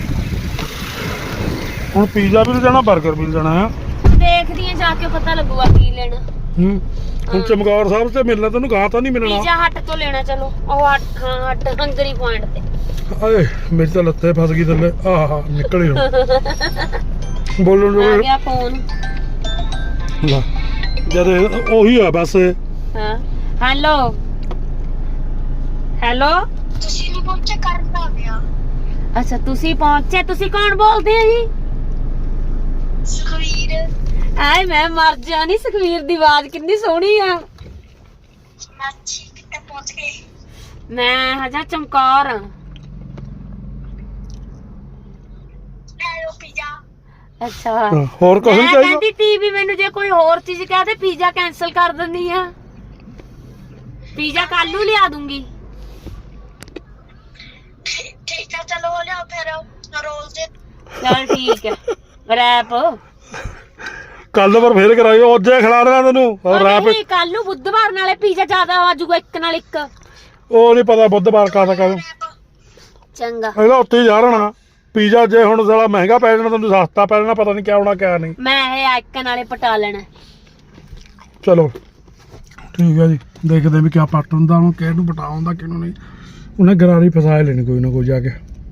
S3: ਹੁਣ ਪੀਜ਼ਾ ਵੀ ਲੈਣਾ, 버ਗਰ ਵੀ ਲੈਣਾ ਹੈ।
S2: ਦੇਖਦੀ ਆ ਜਾ ਕੇ ਪਤਾ ਲੱਗੂਗਾ ਕੀ ਲੈਣਾ।
S3: ਹੁਣ ਚਮਕੌਰ ਸਾਹਿਬ ਤੇ ਮਿਲਣਾ ਤੈਨੂੰ, ਗਾਹ ਤਾਂ ਨਹੀਂ ਮਿਲਣਾ।
S2: ਪੀਜ਼ਾ ਹੱਟ ਤੋਂ ਲੈਣਾ। ਚਲੋ ਉਹ ਹੱਟ ਹੰਗਰੀ ਪੁਆਇੰਟ ਤੇ।
S3: ਆਏ ਮੇਰੀ ਤਾਂ ਲੱਤੇ ਫਸ ਗਈ ਥੱਲੇ। ਆਹਾ ਨਿਕਲੀ ਹੁਣ ਬੋਲਣ
S2: ਆ
S3: ਜੋ
S2: ਗਿਆ ਫੋਨ।
S3: ਲੈ ਜਦ ਉਹੀ ਆ ਬਸ।
S2: ਹਾਂ ਹੈਲੋ ਹੈਲੋ।
S5: ਤੁਸੀਂ ਨਹੀਂ ਪਹੁੰਚੇ, ਕਰਨ ਆ ਗਿਆ।
S2: ਅੱਛਾ ਤੁਸੀਂ ਪਹੁੰਚੇ। ਤੁਸੀਂ ਕੌਣ ਬੋਲਦੇ ਆ ਜੀ?
S5: ਸੁਖਵੀਰ।
S2: ਆਏ ਮੈਂ ਮਰ ਜਾਣੀ, ਸੁਖਵੀਰ ਦੀ ਆਵਾਜ਼ ਕਿੰਨੀ ਸੋਹਣੀ ਆ।
S5: ਮਾਚੀ ਕਿੱਥੇ ਪਹੁੰਚ ਗਏ?
S2: ਮੈਂ ਹਜਾ ਚਮਕੌਰ ਆ।
S5: ਲੈ ਲਓ ਪੀਜ਼ਾ।
S2: ਅੱਛਾ
S3: ਹੋਰ ਕੁਝ ਨਹੀਂ
S2: ਮੈਂ
S3: ਚਾਹੀਦਾ?
S2: ਕਹਿੰਦੀ ਤੀ ਵੀ ਮੈਨੂੰ ਜੇ ਕੋਈ ਹੋਰ ਚੀਜ਼ ਕਹਦੇ ਪੀਜ਼ਾ ਕੈਨਸਲ ਕਰ ਦਿੰਦੀ ਆ। ਪੀਜ਼ਾ ਕੱਲ ਨੂੰ ਲਿਆ ਦੂੰਗੀ।
S5: ਠੀਕ ਹੈ ਚਲੋ ਲਿਆਓ ਫਿਰ ਰੋਲ ਦੇ।
S2: ਚਲ ਠੀਕ ਹੈ। ਰੈਪ
S3: ਕੱਲ ਪਰ ਫੇਰ ਕਰਾਇਓ, ਅੱਜ ਖਿਲਾ ਦੇਣਾ ਤੈਨੂੰ। ਹੋਰ ਰਾਪ
S2: ਨਹੀਂ ਕੱਲ ਨੂੰ ਬੁੱਧਵਾਰ ਨਾਲੇ ਪੀਜ਼ਾ ਜ਼ਿਆਦਾ ਆਜੂਗਾ ਇੱਕ ਨਾਲ ਇੱਕ।
S3: ਉਹ ਨਹੀਂ ਪਤਾ ਬੁੱਧਵਾਰ ਕਾਹਦਾ ਕਦੋਂ।
S2: ਚੰਗਾ
S3: ਇਹਦਾ ਉੱਤੇ ਹੀ ਜਾ ਰਹਿਣਾ ਪੀਜ਼ਾ। ਜੇ ਹੁਣ ਸਾਲਾ ਮਹਿੰਗਾ ਪੈ ਜਾਣਾ ਤੈਨੂੰ ਸਸਤਾ ਪੈ ਜਾਣਾ, ਪਤਾ ਨਹੀਂ ਕਿਆ ਹੋਣਾ ਕਿਆ ਨਹੀਂ।
S2: ਮੈਂ ਇਹ ਇੱਕ ਨਾਲੇ ਪਟਾ ਲੈਣਾ।
S3: ਚਲੋ ਠੀਕ ਹੈ ਜੀ, ਦੇਖਦੇ ਵੀ ਕਿਆ ਪਾਟਣ ਦਾ, ਉਹਨੂੰ ਕਿਹਨੂੰ ਪਟਾਉਣ ਕਿਹਨੂੰ ਨਹੀਂ। ਉਹਨੇ ਗਰਾਰੀ ਫਸਾ ਲੈਣੀ ਕੋਈ ਨਾ ਕੋਈ ਜਾ ਕੇ।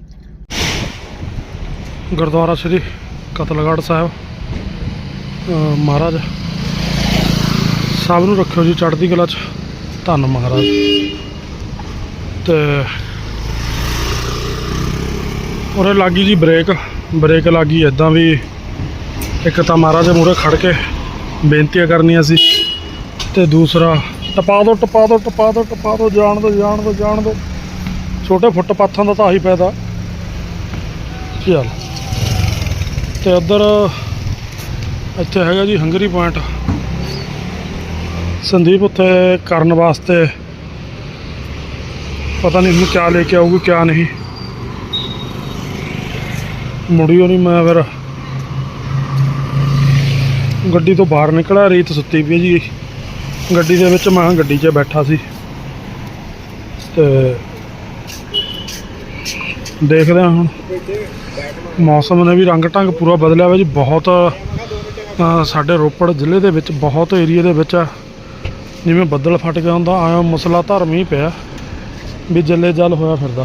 S3: ਗੁਰਦੁਆਰਾ ਸ੍ਰੀ ਕਤਲਗੜ੍ਹ ਸਾਹਿਬ ਮਹਾਰਾਜ ਸਭ ਨੂੰ ਰੱਖਿਓ ਜੀ ਚੜ੍ਹਦੀ ਕਲਾ 'ਚ। ਧੰਨ ਮਹਾਰਾਜ। ਤੇ ਉਰੇ ਲੱਗੀ ਜੀ ਬ੍ਰੇਕ ਲੱਗੀ ਇੱਦਾਂ ਵੀ ਇੱਕ ਤਾਂ ਮਹਾਰਾਜ ਦੇ ਮੂਹਰੇ ਖੜ ਕੇ ਬੇਨਤੀਆਂ ਕਰਨੀਆਂ ਸੀ, ਤੇ ਦੂਸਰਾ ਟਪਾ ਦਿਓ ਜਾਣ ਦਿਓ। ਛੋਟੇ ਫੁੱਟਪਾਥਾਂ ਦਾ ਤਾਂ ਆਹੀ ਫਾਇਦਾ। ਚੱਲ ਤੇ ਉੱਧਰ ਇੱਥੇ ਹੈਗਾ ਜੀ ਹੰਗਰੀ ਪੁਆਇੰਟ। ਸੰਦੀਪ ਉੱਥੇ ਕਰਨ ਵਾਸਤੇ ਪਤਾ ਨਹੀਂ ਹੁਣ ਕਿਆ ਲੈ ਕੇ ਆਊਗੀ ਕਿਆ ਨਹੀਂ। ਮੁੜਿਓ ਨਹੀਂ ਮੈਂ ਫਿਰ ਗੱਡੀ ਤੋਂ ਬਾਹਰ ਨਿਕਲਿਆ। ਰੀਤ ਸੁੱਤੀ ਪਈ ਜੀ ਗੱਡੀ ਦੇ ਵਿੱਚ, ਮੈਂ ਗੱਡੀ 'ਚ ਬੈਠਾ ਸੀ। ਤੇ ਦੇਖਦੇ ਹਾਂ ਹੁਣ ਮੌਸਮ ਨੇ ਵੀ ਰੰਗ ਢੰਗ ਪੂਰਾ ਬਦਲਿਆ ਵਾ ਜੀ ਬਹੁਤ। ਸਾਡੇ ਰੋਪੜ ਜ਼ਿਲ੍ਹੇ ਦੇ ਵਿੱਚ ਬਹੁਤ ਏਰੀਏ ਦੇ ਵਿੱਚ ਜਿਵੇਂ ਬੱਦਲ ਫਟ ਗਿਆ ਹੁੰਦਾ ਆਇਆ ਮਸਲਾ ਧਾਰ ਮੀਂਹ ਪਿਆ ਵੀ ਜੱਲੇ ਜਲ ਹੋਇਆ ਫਿਰਦਾ।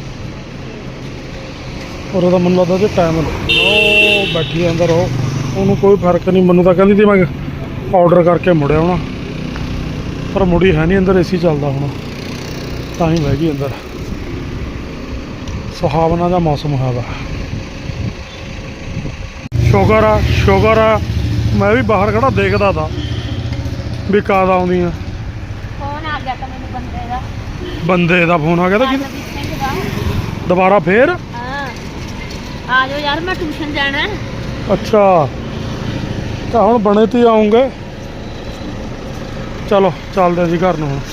S3: ਔਰ ਉਹਦਾ ਮੈਨੂੰ ਲੱਗਦਾ ਜੇ ਟਾਈਮ ਉਹ ਬੈਠੀ ਅੰਦਰ ਉਹਨੂੰ ਕੋਈ ਫਰਕ ਨਹੀਂ। ਮੈਨੂੰ ਤਾਂ ਕਹਿੰਦੀ ਸੀ ਮੈਂ ਆਰਡਰ ਕਰਕੇ ਮੁੜਿਆ ਹੋਣਾ, ਪਰ ਮੁੜੀ ਹੈ ਨਹੀਂ। ਅੰਦਰ ਏਸੀ ਚੱਲਦਾ ਹੁਣ ਤਾਂ ਹੀ ਬਹਿ ਗਈ ਅੰਦਰ। ਸੁਹਾਵਣਾ ਦਾ ਮੌਸਮ ਹੋਇਆ ਵਾ। ਸ਼ੁਕਰ ਆ ਮੈਂ ਵੀ ਬਾਹਰ ਖੜਾ ਦੇਖਦਾ ਤਾ ਵੀ ਕਦ ਆਉਂਦੀਆਂ।
S2: ਫੋਨ ਆ ਗਿਆ ਤਾਂ ਮੈਨੂੰ
S3: ਬੰਦੇ ਦਾ ਫੋਨ ਆ ਗਿਆ ਤਾਂ ਕਿਹਦਾ?
S2: ਸਿੰਘ ਦਾ।
S3: ਦੁਬਾਰਾ ਫੇਰ?
S2: ਹਾਂ ਆ ਜਾਓ ਯਾਰ, ਮੈਂ ਟਿਊਸ਼ਨ ਜਾਣਾ।
S3: ਅੱਛਾ ਤਾਂ ਹੁਣ ਬਣੇ ਤੇ ਆਉਂਗੇ। ਚਲੋ ਚੱਲਦੇ ਜੀ ਘਰ ਨੂੰ ਹੁਣ।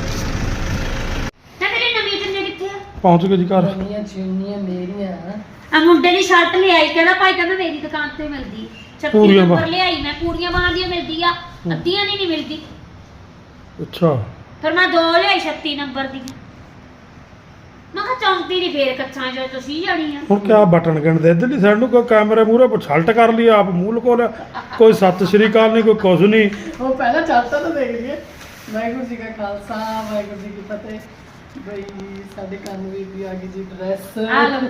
S2: ਨਾ ਤੇਰੀ ਨਵੀਂ ਚੁੰਨੀ ਕਿੱਥੇ ਆ?
S3: ਪਹੁੰਚ ਗਏ ਜੀ ਘਰ।
S4: ਨਵੀਆਂ ਚੁੰਨੀਆਂ ਮੇਰੀਆਂ
S2: ਆ ਮੁੰਡੇ ਦੀ ਸ਼ਰਟ ਲਿਆਈ, ਕਹਿੰਦਾ ਭਾਈ ਕਹਿੰਦਾ ਮੇਰੀ ਦੁਕਾਨ ਤੇ ਮਿਲਦੀ 36
S3: ਪੂਰੀਆਂ
S2: ਨੰਬਰ
S3: ਬਾਂਹ।
S2: ਲਿਆਈ ਮੈਂ, ਪੂਰੀਆਂ ਬਾਹਾਂ ਦੀਆਂ ਮਿਲਦੀ ਆ, ਅੱਧੀਆਂ ਦੀ ਨਹੀਂ ਮਿਲਦੀ।
S3: ਅੱਛਾ
S2: ਫਿਰ ਮੈਂ 2 ਲਿਆਈ 36 ਨੰਬਰ ਦੀਆਂ। ਮੈਂ ਕਿਹਾ ਚੌਂਕੀ ਦੀ ਫੇਰ ਕੱਛਾਂ ਜੋ ਤੁਸੀਂ ਜਾਣੀ ਆ।
S3: ਹੁਣ ਕਿਆ ਬਟਨ ਗਿਣਦੇ ਇੱਧਰਲੀ ਸਾਈਡ ਨੂੰ ਕੋਈ ਕੈਮਰੇ ਮੂਹਰੇ ਛਲਟ ਕਰ ਲਈ ਆਪ ਮੂੰਹ ਲਕੋ ਲਿਆ। ਕੋਈ ਸਤਿ ਸ਼੍ਰੀ ਅਕਾਲ ਨਹੀਂ, ਕੋਈ ਕੁਝ ਨਹੀਂ।
S4: ਉਹ ਪਹਿਲਾਂ ਚਾਹਤਾ ਤਾਂ ਦੇਖ ਲਈਏ। ਵਾਹਿਗੁਰੂ ਜੀ ਕਾ ਖਾਲਸਾ ਵਾਹਿਗੁਰੂ ਜੀ ਕੀ ਫਤਿਹ। ਬਈ ਸਾਡੇ ਕਨਵੀਰ ਦੀ ਆ ਗਈ ਜੀ ਡਰੈਸ।
S2: ਆ ਲਓ।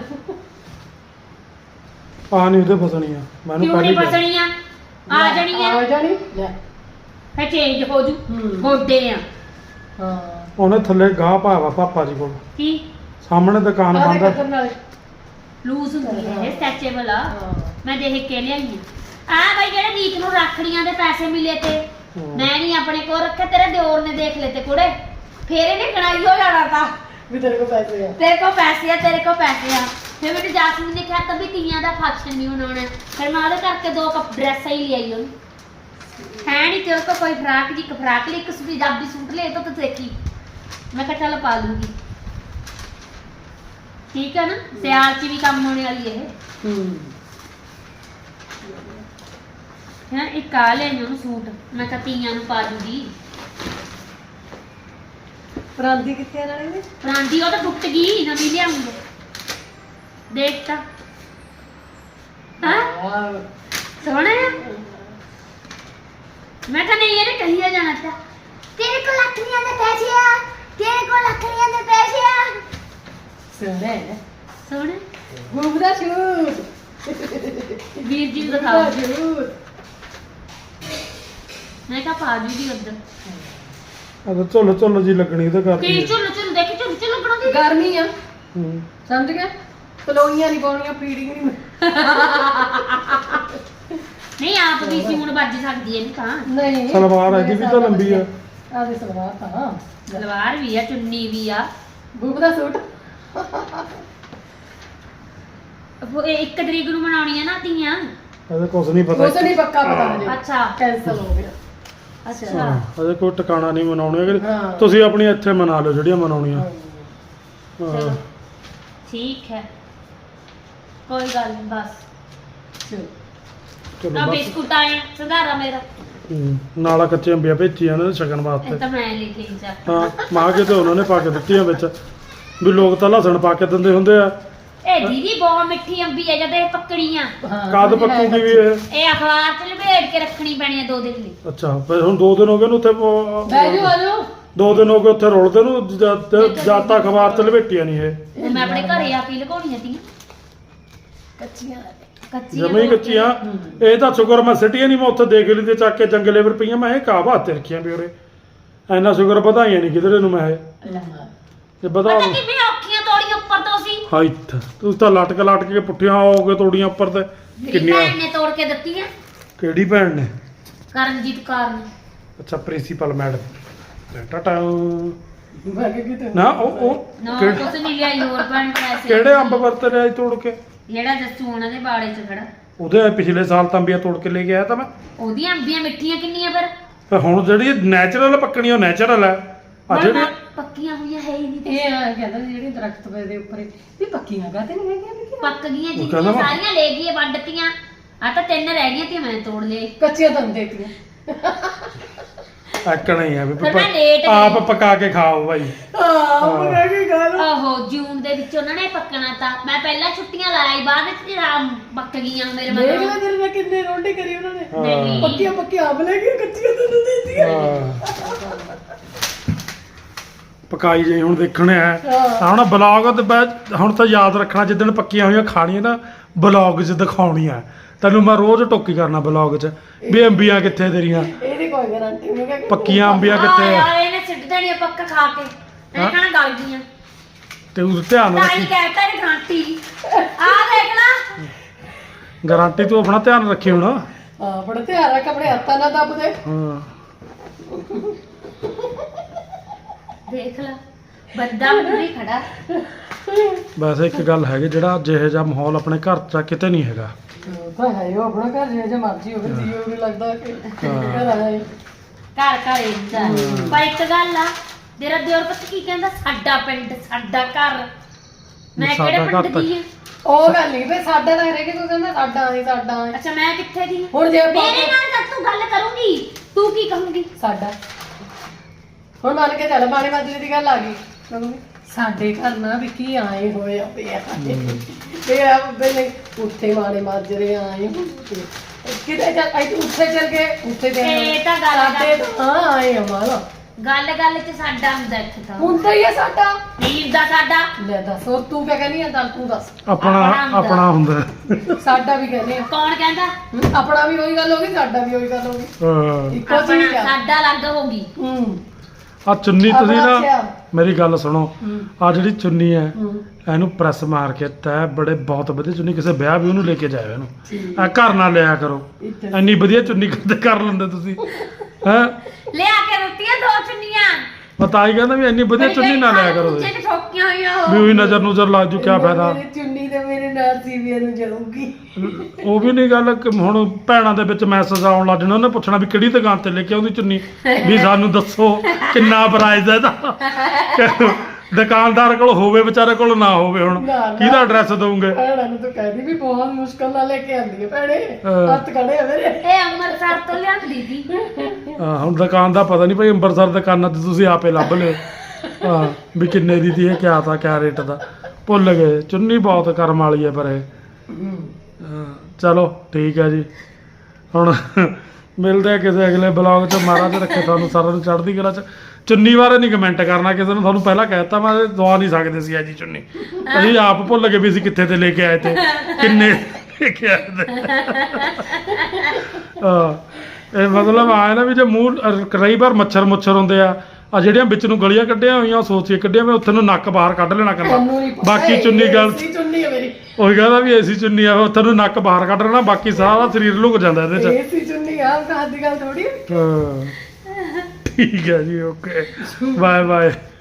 S3: ਆ ਨਹੀਂ ਉਹਦੇ ਫਸਣੀ ਆ ਮੈਨੂੰ
S2: ਕਿਉਂ ਨਹੀਂ
S3: ਕਿਹਾ।
S2: ਫਸਣੀ ਆ? ਆ ਜਾਣੀ ਆ,
S4: ਆ ਜਾਣੀ ਲੈ।
S2: ਫੇ ਚੇਂਜ ਹੋ ਜੂ।
S4: ਹੂੰ।
S2: ਹੋਡੇ ਆ
S4: ਹਾਂ
S3: ਉਹਨੇ ਥੱਲੇ ਗਾਹ ਪਾਇਆ ਵਾ ਪਾਪਾ ਜੀ ਕੋਲ,
S2: ਕੀ
S3: ਸਾਹਮਣੇ ਦੁਕਾਨ
S4: ਆ
S3: ਬੰਦ
S4: ਦੇਖ
S3: ਆ।
S4: ਨਾਲੇ।
S2: ਲੂਜ਼ ਹੁੰਦੀ ਹੈ ਇਹ, ਸਟੈਚੇਬਲ ਆ।
S4: ਹਾਂ
S2: ਮੈਂ ਦੇਖ ਕੇ ਲਿਆਈ ਆ ਬਾਈ। ਜਿਹੜੇ ਨੀਤ ਨੂੰ ਰੱਖੜੀਆਂ ਦੇ ਪੈਸੇ ਮਿਲੇ ਤੇ ਮੈਂ ਨਹੀਂ ਆਪਣੇ ਕੋਲ ਰੱਖੇ, ਤੇਰੇ ਦਿਓਰ ਨੇ ਦੇਖ ਲਏ ਤੇ ਕੁੜੇ, ਫੇਰ ਇਹਨੇ ਕਣਾਈ ਹੋ ਜਾਣਾ ਤਾਂ
S4: ਵੀ ਤੇਰੇ ਕੋਲ ਪੈਸੇ ਆ।
S2: ਤੇਰੇ ਕੋਲ ਪੈਸੇ ਆ, ਤੇਰੇ ਕੋਲ ਪੈਸੇ ਆ। ਫਿਰ ਮੈਨੂੰ ਜਾਸਮੀਨ ਨੇ ਕਿਹਾ ਤਾਂ ਵੀ ਤੀਆਂ ਦਾ ਫੰਕਸ਼ਨ ਨਹੀਂ ਮਨਾਉਣਾ। ਫਿਰ ਮੈਂ ਉਹਦੇ ਕਰਕੇ 2 ਕੱਪ ਡਰੈਸਾਂ ਹੀ ਲਿਆਈ ਉਹਨੂੰ। ਹੈ ਨਹੀਂ ਤੇਰੇ ਕੋਲ ਕੋਈ ਫਰਾਕ ਜੀ, ਇੱਕ ਫਰਾਕ ਲਈ, ਇੱਕ ਪੰਜਾਬੀ ਸੂਟ ਲੈ ਤਾਂ ਤੂੰ ਦੇਖੀ। ਮੈਂ ਕਿਹਾ ਚੱਲ ਪਾ ਲੂੰਗੀ, ਠੀਕ ਹੈ ਨਾ। ਸਿਆਲ 'ਚ ਵੀ ਕੰਮ ਹੋਣੇ ਵਾਲੀ ਇਹ ਹੈ। ਇੱਕ ਆ ਲਿਆਈ ਉਹਨੂੰ ਸੂਟ, ਮੈਂ ਕਿਹਾ ਤੀਆਂ ਨੂੰ ਪਾ ਦੂਗੀ।
S4: ਪਰਾਂਦੀ ਕਿੱਥੇ ਆ ਨਾਲੇ ਦੀ?
S2: ਪਰਾਂਦੀ ਉਹ ਤਾਂ ਟੁੱਟ ਗਈ, ਨਵੀਂ ਲਿਆਉਂਗੇ। ਦੇਖ ਤਾਂ ਹਾਂ ਸੋਹਣਾ ਆ। ਮੈਂ ਕਿਹਾ ਨਹੀਂ ਇਹਨੇ ਕਹੀਆ ਜਾਣਾ ਤਾਂ ਤੇਰੇ ਕੋਲ ਲੱਖੀਆਂ ਦੇ ਪੈਸੇ ਆ, ਤੇਰੇ ਕੋਲ ਲੱਖੀਆਂ ਦੇ ਪੈਸੇ ਆ।
S4: ਸੋਹਣਾ ਹੈ।
S2: ਸੋਹਣਾ
S4: ਗੂਬ ਦਾ ਸ਼ੂਟ।
S2: ਵੀਰ ਜੀ ਨੂੰ ਦਿਖਾਓ।
S4: ਸ਼ੂਟ
S2: ਮੈਂ ਕਿਹਾ ਪਾ ਜੂਗੀ ਉੱਧਰ।
S3: ਅਗਰ ਝੁੱਲ ਜੀ ਲੱਗਣੀ ਉਹਦੇ ਕਰਕੇ।
S2: ਕੀ ਝੁੱਲ ਝੁੱਲ ਦੇਖੀ, ਝੁੱਲ ਲੱਗਣਾ ਦੀ
S4: ਗਰਮੀ ਆ,
S3: ਹੂੰ।
S4: ਸਮਝ ਗਿਆ। ਪਲੋਈਆਂ ਨਹੀਂ ਪਾਉਣੀਆਂ, ਫੀਡਿੰਗ ਨਹੀਂ।
S2: ਨਹੀਂ ਆਪ ਵੀ ਸੀ ਹੁਣ ਵੱਜ ਸਕਦੀ ਹੈ ਨਹੀਂ ਤਾਂ।
S4: ਨਹੀਂ
S3: ਸਲਵਾਰ ਇਹਦੀ ਵੀ ਤਾਂ ਲੰਬੀ ਆ।
S4: ਆਹ ਦੇ ਸਲਵਾਰ ਤਾਂ
S2: ਸਲਵਾਰ ਵੀ ਆ, ਚੁੰਨੀ ਵੀ ਆ।
S4: ਗੂਬ ਦਾ ਸੂਟ।
S2: ਇਹ 1 ਤਰੀਕ ਨੂੰ ਮਨਾਉਣੀ ਆ ਨਾ ਤੀਆਂ।
S3: ਅਜੇ ਕੁਝ ਨਹੀਂ ਪਤਾ।
S4: ਉਸ ਨਹੀਂ ਪੱਕਾ ਪਤਾ ਹਜੇ।
S2: ਅੱਛਾ
S4: ਕੈਂਸਲ ਹੋ ਗਿਆ।
S2: ਅੱਛਾ
S3: ਅਜੇ ਕੋਈ ਟਿਕਾਣਾ ਨਹੀਂ ਮਨਾਉਣੀ।
S4: ਹਾਂ।
S3: ਤੁਸੀਂ ਆਪਣੀ ਇੱਥੇ ਮਨਾ ਲਓ ਜਿਹੜੀਆਂ ਮਨਾਉਣੀਆਂ।
S2: ਚਲੋ ਠੀਕ ਹੈ, ਕੋਈ ਗੱਲ ਨਹੀਂ। ਬਸ
S4: ਚਲੋ
S3: ਚਲੋ
S2: ਆ
S3: ਬਸ।
S2: ਬਿਸਕੁਟ ਆਏ ਸੰਧਾਰਾ ਮੇਰਾ,
S3: ਨਾਲਾ ਕੱਚੇ ਅੰਬੀਆਂ ਭੇਜੀਆਂ ਨੇ ਸ਼ਗਨ
S2: ਇਹ
S3: ਵਾਸਤੇ।
S2: ਤਾਂ ਮੈਂ ਲੈ ਕੇ ਹੀ ਜਾ।
S3: ਹਾਂ ਮਾਂ ਕੇ ਤੇ ਉਹਨਾਂ ਨੇ ਪਾ ਕੇ ਦਿੱਤੀਆਂ ਵਿੱਚ ਵੀ ਲੋਕ ਤਾਂ ਲਸਣ ਪਾ ਕੇ ਦਿੰਦੇ ਹੁੰਦੇ ਆ।
S2: ਇਹ ਦੀਦੀ ਬਹੁਤ ਮਿੱਠੀ ਅੰਬੀ ਹੈ ਜਦ ਇਹ ਪੱਕੜੀਆਂ।
S3: ਕਦ ਪੱਕੂਗੀ ਵੀ ਇਹ?
S2: ਅਖਬਾਰ 'ਚ ਲਪੇਟ ਕੇ ਰੱਖਣੀ ਪੈਣੀ ਹੈ 2 ਦਿਨ ਲਈ।
S3: ਅੱਛਾ ਫਿਰ ਹੁਣ 2 ਦਿਨ ਹੋ ਗਏ ਨੂੰ ਉੱਥੇ
S4: ਬਹਿ ਜਾਓ, ਆ ਜਾਓ।
S3: 2 ਦਿਨ ਹੋ ਗਏ ਉੱਥੇ ਰੋਲਦੇ ਨੂੰ ਜਦ ਤੱਕ ਅਖਬਾਰ ਚ ਲਪੇਟੀਆਂ ਨਹੀਂ ਇਹ।
S2: ਮੈਂ ਆਪਣੇ ਘਰੇ ਆ ਕੇ ਲਗਾਉਣੀਆਂ ਤੀਆਂ।
S4: ਕੱਚੀਆਂ
S2: ਕੱਚੀਆਂ
S3: ਜਮੀ ਕੱਚੀਆਂ ਇਹ ਤਾਂ ਸ਼ੁਕਰ ਮੈਂ ਸਿਟੀਆਂ ਨਹੀਂ ਮੈਂ ਉੱਥੇ ਦੇਖ ਲਈ ਤੇ ਚੱਕ ਕੇ ਜੰਗਲੇ ਪਰ ਪਈਆਂ ਮੈਂ ਇਹ ਕਾਹ ਹੱਥ ਰੱਖੀਆਂ ਵੀ ਉਰੇ ਇੰਨਾ ਸ਼ੁਕਰ ਵਧਾਈਆਂ ਨਹੀਂ ਕਿਧਰੇ ਨੂੰ ਮੈਂ ਇਹ ਜੇ ਵਧਾ
S2: ਪਤਾ ਕਿਵੇਂ ਔਖੀਆਂ ਤੋੜੀਆਂ ਉੱਪਰ ਤੋਂ ਸੀ
S3: ਹਾਈਟ ਤੁਸੀਂ ਤਾਂ ਲਟਕ ਕੇ ਪੁੱਠੀਆਂ ਹੋਗੇ ਤੋੜੀਆਂ ਉੱਪਰ ਤੇ
S2: ਮੇਰੀ
S3: ਕਿੰਨੀਆਂ
S2: ਭੈਣ ਨੇ ਤੋੜ ਕੇ ਦਿੱਤੀਆਂ
S3: ਕਿਹੜੀ ਭੈਣ ਨੇ
S2: ਕਰਨਜੀਤ ਕੌਰ ਨੇ
S3: ਅੱਛਾ ਪ੍ਰਿੰਸੀਪਲ ਮੈਡਮ ਟਾਟਾ
S4: ਮੈਂ ਕਿ ਕਿਤੇ
S3: ਨਾ ਉਹ
S2: ਨਾ
S3: ਕਿਹੜੇ-
S2: ਕੁਛ ਨਹੀਂ ਲਿਆਈ ਹੋਰ ਭੈਣ ਪੈਸੇ
S3: ਕਿਹੜੇ ਅੰਬ ਵਰਤੇ ਨੇ ਅੱਜ ਤੋੜ ਕੇ
S2: ਜਿਹੜਾ ਜੱਸੂ ਉਹਨਾਂ ਦੇ ਬਾੜੇ 'ਚ ਖੜਾ
S3: ਉਹਦੇ ਪਿਛਲੇ ਸਾਲ ਤਾਂ ਅੰਬੀਆਂ ਤੋੜ ਕੇ ਲੈ ਕੇ ਆਇਆ ਤਾਂ ਮੈਂ
S2: ਉਹਦੀਆਂ ਅੰਬੀਆਂ ਮਿੱਠੀਆਂ ਕਿੰਨੀਆਂ ਪਰ
S3: ਤੇ ਹੁਣ ਜਿਹੜੀ ਨੈਚੁਰਲ ਪੱਕਣੀ ਉਹ ਨੈਚੁਰਲ ਹੈ ਆ ਜਿਹੜੀ
S2: ਪੱਕੀਆਂ ਹੋਈਆਂ ਹੈ ਹੀ ਨਹੀਂ
S4: ਇਹ ਆ ਕਹਿੰਦਾ ਵੀ ਜਿਹੜੀ ਦਰਖਤ ਪਏ ਦੇ ਉੱਪਰ ਵੀ ਪੱਕੀਆਂ ਕਾਤੇ ਨਹੀਂ ਹੈਗੀਆਂ ਵੀ
S2: ਪੱਕ ਗਈਆਂ
S3: ਉਹ
S2: ਜਿੰਨੀਆਂ
S3: ਕਹਿੰਦਾ ਵਾ-
S2: ਸਾਰੀਆਂ ਲੈ ਗਈਆਂ ਵੱਢਤੀਆਂ ਆ ਤਾਂ 3 ਰਹਿ ਗਈਆਂ ਤੇ ਮੈਂ ਤੋੜ ਲਏ
S4: ਕੱਚੀਆਂ ਤਾਂ ਦੇਤੀਆਂ
S3: ਐਕਣਾ ਹੀ ਹੈ ਵੀ
S2: ਫਿਰ ਮੈਂ ਲੇਟ
S3: ਆਪ
S2: ਗਈ।
S3: ਪਕਾ ਕੇ ਖਾਓ ਭਾਈ
S4: ਹਾਂ ਉਹ ਕਹਿ ਕੇ ਗੱਲ
S2: ਆਹੋ ਜੂਨ ਦੇ ਵਿੱਚ ਉਹਨਾਂ ਨੇ ਪੱਕਣਾ ਤਾਂ ਮੈਂ ਪਹਿਲਾਂ ਛੁੱਟੀਆਂ ਲਾਈ ਬਾਅਦ ਵਿੱਚ ਰਾਮ ਪੱਕ ਗਈਆਂ ਮੇਰੇ
S4: ਦੇਖ
S2: ਮਗਰੋਂ
S4: ਲੈ ਤੇਰੇ ਨਾਲ ਕਿੰਨੇ ਰੋਟੀ ਕਰੀ ਉਹਨਾਂ ਨੇ
S2: ਨਹੀਂ
S4: ਪੱਕੀਆਂ ਆਪ ਲੈ ਕੇ ਕੱਚੀਆਂ ਤੈਨੂੰ ਦੇਤੀਆਂ
S3: ਹਾਂ। ਪਕਾਈ ਜਾਈ ਹੁਣ ਦੇਖਣੇ ਆ
S4: ਹਾਂ।
S3: ਹੁਣ ਬਲੌਗ ਤੇ ਹੁਣ ਤਾਂ ਯਾਦ ਰੱਖਣਾ ਜਿੱਦਣ ਪੱਕੀਆਂ ਹੋਈਆਂ ਖਾਣੀਆਂ ਨਾ ਬਲੌਗ 'ਚ ਦਿਖਾਉਣੀਆਂ ਤੈਨੂੰ ਮੈਂ ਰੋਜ਼ ਟੋਕੀ ਕਰਨਾ ਬਲੌਗ 'ਚ ਵੀ ਅੰਬੀਆਂ ਕਿੱਥੇ ਤੇਰੀਆਂ
S4: ਇਹਦੀ ਕੋਈ ਗਾਰੰਟੀ ਨਹੀਂ ਹੈ
S3: ਪੱਕੀਆਂ ਅੰਬੀਆਂ
S2: ਆ
S3: ਕਿੱਥੇ ਆ
S2: ਯਾਰ ਇਹਨੇ ਸਿੱਟ ਦੇਣੀਆਂ ਪੱਕਾ ਖਾ ਕੇ ਇਹ
S3: ਹਾਂ।
S2: ਕਹਣਾ ਗਲ ਗਈਆਂ
S3: ਤੇ ਉਹ ਧਿਆਨ
S2: ਤਾਂ ਹੀ
S3: ਰੱਖੀ
S2: ਕਹਿਤਾ ਇਹ ਗਾਂਟੀ ਆ ਦੇਖ ਲਾ
S3: ਗਾਰੰਟੀ ਤੂੰ ਆਪਣਾ ਧਿਆਨ ਰੱਖੀ ਹੁਣ
S4: ਹਾਂ ਬੜਾ ਧਿਆਨ ਰੱਖ ਆਪਣੇ ਹੱਥਾਂ ਨਾਲ ਦੱਬ ਦੇ
S3: ਹਾਂ
S2: ਦੇਖ ਲਾ ਬੰਦਾ ਮੂਹਰੇ ਖੜਾ
S3: ਵੈਸੇ ਇੱਕ ਗੱਲ ਹੈਗੀ ਜਿਹੜਾ ਜਿਹੇ ਜਿਹਾ ਮਾਹੌਲ ਆਪਣੇ ਘਰ 'ਚ ਆ, ਕਿਤੇ ਨਹੀਂ ਹੈਗਾ
S4: ਉਹ ਤਾਂ ਹੈ ਉਹ ਆਪਣਾ ਘਰ ਜੇ ਮਰਜ਼ੀ ਹੋਵੇ ਜੀਓ ਵੀ ਲੱਗਦਾ ਕਿ ਘਰ ਆਇਆ ਈ।
S2: ਘਰ ਘਰ ਇੰਦਾ ਪਰ ਇੱਕ ਗੱਲ ਆ ਤੇਰਾ ਦਿਓਰ ਪਤਾ ਕੀ ਕਹਿੰਦਾ ਸਾਡਾ ਪਿੰਡ ਸਾਡਾ ਘਰ ਮੈਂ
S3: ਸਾਡਾ
S2: ਕਿਹੜੇ
S3: ਘਰ
S2: ਪਿੰਡ
S3: ਤਾਂ-
S2: ਦੀ ਆ
S4: ਉਹ ਗੱਲ ਨਹੀਂ ਵੀ ਸਾਡਾ ਤਾਂ ਹਰੇਕ ਕੋਈ ਕਹਿੰਦਾ ਸਾਡਾ ਨਹੀਂ ਸਾਡਾ ਨੀ।
S2: ਅੱਛਾ ਮੈਂ ਕਿੱਥੇ ਦੀ ਆ?
S4: ਹੁਣ ਜੇ ਆਪਾਂ
S2: ਮੇਰੇ ਨਾਲ ਤਾਂ ਤੂੰ ਗੱਲ ਕਰੂੰਗੀ ਤੂੰ ਕੀ ਕਹੂੰਗੀ
S4: ਸਾਡਾ ਹੁਣ ਮੰਨ ਕੇ ਚੱਲ ਬਾਣੇ ਮਾਜਰੇ ਦੀ ਗੱਲ ਆ ਗਈ ਮੰਮੀ ਸਾਡੇ ਘਰ ਨਾ ਵੀ ਕੀ ਆਏ ਹੋਏ ਆ ਪਿਆ ਤੇ ਆ ਬੇਲੇ ਉੱਥੇ ਮਾਣੇ ਮਾਜਰੇ ਆਏ ਹੋਏ। ਕਿਤੇ ਚੱਲ ਆਈ ਤੂੰ ਉੱਥੇ ਚੱਲ ਕੇ ਉੱਥੇ ਦੇ
S2: ਇਹ ਤਾਂ ਗੱਲ
S4: ਸਾਡੇ ਤਾਂ ਹਾਂ ਆਏ ਆ ਮਾਲਾ
S2: ਗੱਲ ਗੱਲ ਚ ਸਾਡਾ ਹੁੰਦਾ ਇੱਥੇ ਤਾਂ
S4: ਹੁੰਦਾ ਹੀ ਆ ਸਾਡਾ
S2: ਨਹੀਂ ਹੁੰਦਾ ਸਾਡਾ
S4: ਲੈ ਦੱਸ ਹੋਰ ਤੂੰ ਕਿਆ ਕਹਿੰਦੀ ਆ ਦੱਸ ਤੂੰ ਦੱਸ
S3: ਆਪਣਾ ਹੁੰਦਾ
S4: ਸਾਡਾ ਵੀ ਕਹਿੰਦੇ ਆ
S2: ਕੌਣ ਕਹਿੰਦਾ
S4: ਆਪਣਾ ਵੀ ਉਹੀ ਗੱਲ ਹੋ ਗਈ ਸਾਡਾ ਵੀ ਉਹੀ ਗੱਲ ਹੋ ਗਈ
S3: ਹਾਂ।
S4: ਇੱਕੋ ਚੀਜ਼
S2: ਆਪਣਾ
S4: ਆ
S2: ਸਾਡਾ ਅਲੱਗ ਹੋ ਗਈ
S3: ਆ ਚੁੰਨੀ ਤੁਸੀਂ
S4: ਆਪਣਾ
S3: ਨਾ
S4: ਅੱਛਾ।
S3: ਮੇਰੀ ਗੱਲ ਸੁਣੋ ਆ ਜਿਹੜੀ ਚੁੰਨੀ ਹੈ
S4: ਹੂੰ
S3: ਇਹਨੂੰ ਪ੍ਰੈਸ ਮਾਰ ਕੇ ਤੈ ਬੜੇ ਬਹੁਤ ਵਧੀਆ ਚੁੰਨੀ ਕਿਸੇ ਵਿਆਹ ਵੀ ਉਹਨੂੰ ਲੈ ਕੇ ਜਾਇਓ ਇਹਨੂੰ ਆ ਘਰ ਨਾਲ ਲਿਆ ਕਰੋ
S4: ਇੱਥੇ
S3: ਇੰਨੀ ਵਧੀਆ ਚੁੰਨੀ ਕਿੱਥੇ ਕਰ ਲੈਂਦੇ ਤੁਸੀਂ ਹੈ
S2: ਲਿਆ ਕੇ ਦਿੱਤੀਆਂ 2 ਚੁੰਨੀਆਂ
S3: ਪਤਾ ਹੀ ਕਹਿੰਦਾ ਵੀ ਇੰਨੀ ਵਧੀਆ ਚੁੰਨੀ ਨਾ ਲਿਆ ਕਰੋ
S2: ਤੁਸੀਂ
S3: ਤੁਸੀਂ।
S2: ਠੋਕੀਆਂ ਹੋਈਆਂ
S3: ਵੀ ਉਹੀ ਨਜ਼ਰ ਨੂਜ਼ਰ ਲੱਗ ਜੂ ਕਿਆ ਫਾਇਦਾ
S4: ਮੇਰੀ ਚੁੰਨੀ ਤੇ ਮੇਰੇ ਨਾਲ ਸੀਵੀਆਂ ਨੂੰ ਜਾਊਗੀ
S3: ਉਹ ਵੀ ਨਹੀਂ ਗੱਲ ਕਿ ਹੁਣ ਭੈਣਾਂ ਦੇ ਵਿੱਚ ਮੈਸੇਜ ਆਉਣ ਲੱਗ ਜਾਣਾ ਉਹਨੇ ਪੁੱਛਣਾ ਵੀ ਕਿਹੜੀ ਦੁਕਾਨ ਤੇ ਲੈ ਕੇ ਆਉਂਦੀ ਚੁੰਨੀ ਵੀ ਸਾਨੂੰ ਦੱਸੋ ਕਿੰਨਾ ਪ੍ਰਾਈਸ ਹੈ ਇਹਦਾ ਦੁਕਾਨਦਾਰ ਕੋਲ ਹੋਵੇ ਵਿਚਾਰੇ ਕੋਲ ਨਾ ਹੋਵੇ ਹੁਣ
S4: ਨਾ, ਨਾ।
S3: ਕਿਹਦਾ ਐਡਰੈਸ ਦਊਂਗੇ
S4: ਭੈਣਾਂ ਨੂੰ ਤਾਂ ਕਹਿੰਦੀ ਵੀ ਬਹੁਤ ਮੁਸ਼ਕਲ ਨਾਲ ਲੈ ਕੇ ਆਂਦੀ ਹੈ ਭੈਣੇ
S3: ਹਾਂ।
S4: ਹੱਥ ਖੜੇ ਆ ਮੇਰੇ
S2: ਇਹ ਅੰਮ੍ਰਿਤਸਰ ਤੋਂ ਲਿਆਂਦੀ ਸੀ
S3: ਹੁਣ ਦੁਕਾਨ ਦਾ ਪਤਾ ਨਹੀਂ ਭਾਈ ਅੰਮ੍ਰਿਤਸਰ ਦੁਕਾਨਾਂ ਤੇ ਤੁਸੀਂ ਆਪੇ ਲੱਭ ਲਿਓ ਹਾਂ ਵੀ ਕਿੰਨੇ ਦੀ ਤੀ ਇਹ ਕਿਆ ਤਾਂ ਕਿਆ ਰੇਟ ਦਾ ਭੁੱਲ ਗਏ ਚੁੰਨੀ ਬਹੁਤ ਕਰਮ ਵਾਲੀ ਹੈ ਪਰ ਇਹ ਚਲੋ ਠੀਕ ਹੈ ਜੀ ਹੁਣ ਮਿਲਦੇ ਆ ਕਿਸੇ ਅਗਲੇ ਬਲੌਗ 'ਚ ਮਹਾਰਾਜ ਰੱਖੇ ਤੁਹਾਨੂੰ ਸਾਰਿਆਂ ਨੂੰ ਚੜ੍ਹਦੀ ਕਲਾ 'ਚ ਚੁੰਨੀ ਬਾਰੇ ਨਹੀਂ ਕਮੈਂਟ ਕਰਨਾ ਕਿਸੇ ਨੂੰ ਤੁਹਾਨੂੰ ਪਹਿਲਾਂ ਕਹਿ ਦਿੱਤਾ ਮੈਂ ਦਵਾ ਨਹੀਂ ਸਕਦੇ ਸੀ ਜੀ ਚੁੰਨੀ ਅਸੀਂ ਆਪ ਭੁੱਲ ਗਏ ਵੀ ਅਸੀਂ ਕਿੱਥੇ ਤੇ ਲੈ ਕੇ ਆਏ ਤੇ ਕਿੰਨੇ ਲੈ ਕੇ ਆਏ ਤੇ ਇਹ ਮਤਲਬ ਆਇਆ ਨਾ ਵੀ ਜੇ ਮੂੰਹ ਕਈ ਵਾਰ ਮੱਛਰ ਹੁੰਦੇ ਆ ਜਿਹੜੀਆਂ ਵਿੱਚ ਨੂੰ ਗਲੀਆਂ ਕੱਢੀਆਂ ਹੋਈਆਂ ਸੋਚ ਕੇ ਕੱਢੀਆਂ ਮੈਂ ਉੱਥੇ ਨੂੰ ਨੱਕ ਬਾਹਰ ਕੱਢ ਲੈਣਾ
S4: ਤੈਨੂੰ ਨਹੀਂ
S3: ਕਰਨਾ
S4: ਪਤਾ
S3: ਬਾਕੀ ਚੁੰਨੀ ਗੱਲ
S4: ਸੀ ਚੁੰਨੀ ਹੈ ਮੇਰੀ
S3: ਉਹੀ ਕਹਿੰਦਾ ਵੀ ਏਸੀ ਚੁੰਨੀ ਆ ਉੱਥੇ ਨੂੰ ਨੱਕ ਬਾਹਰ ਕੱਢ ਲੈਣਾ ਬਾਕੀ ਸਾਰਾ ਸਰੀਰ ਲੁਕ ਜਾਂਦਾ ਇਹਦੇ 'ਚ
S4: ਇਹ ਸੀ ਚੁੰਨੀ ਆ ਕਹਾਂ ਦੀ ਗੱਲ ਥੋੜੀ
S3: ਹਾਂ ਠੀਕ ਹੈ ਜੀ ਓਕੇ ਬਾਏ ਬਾਏ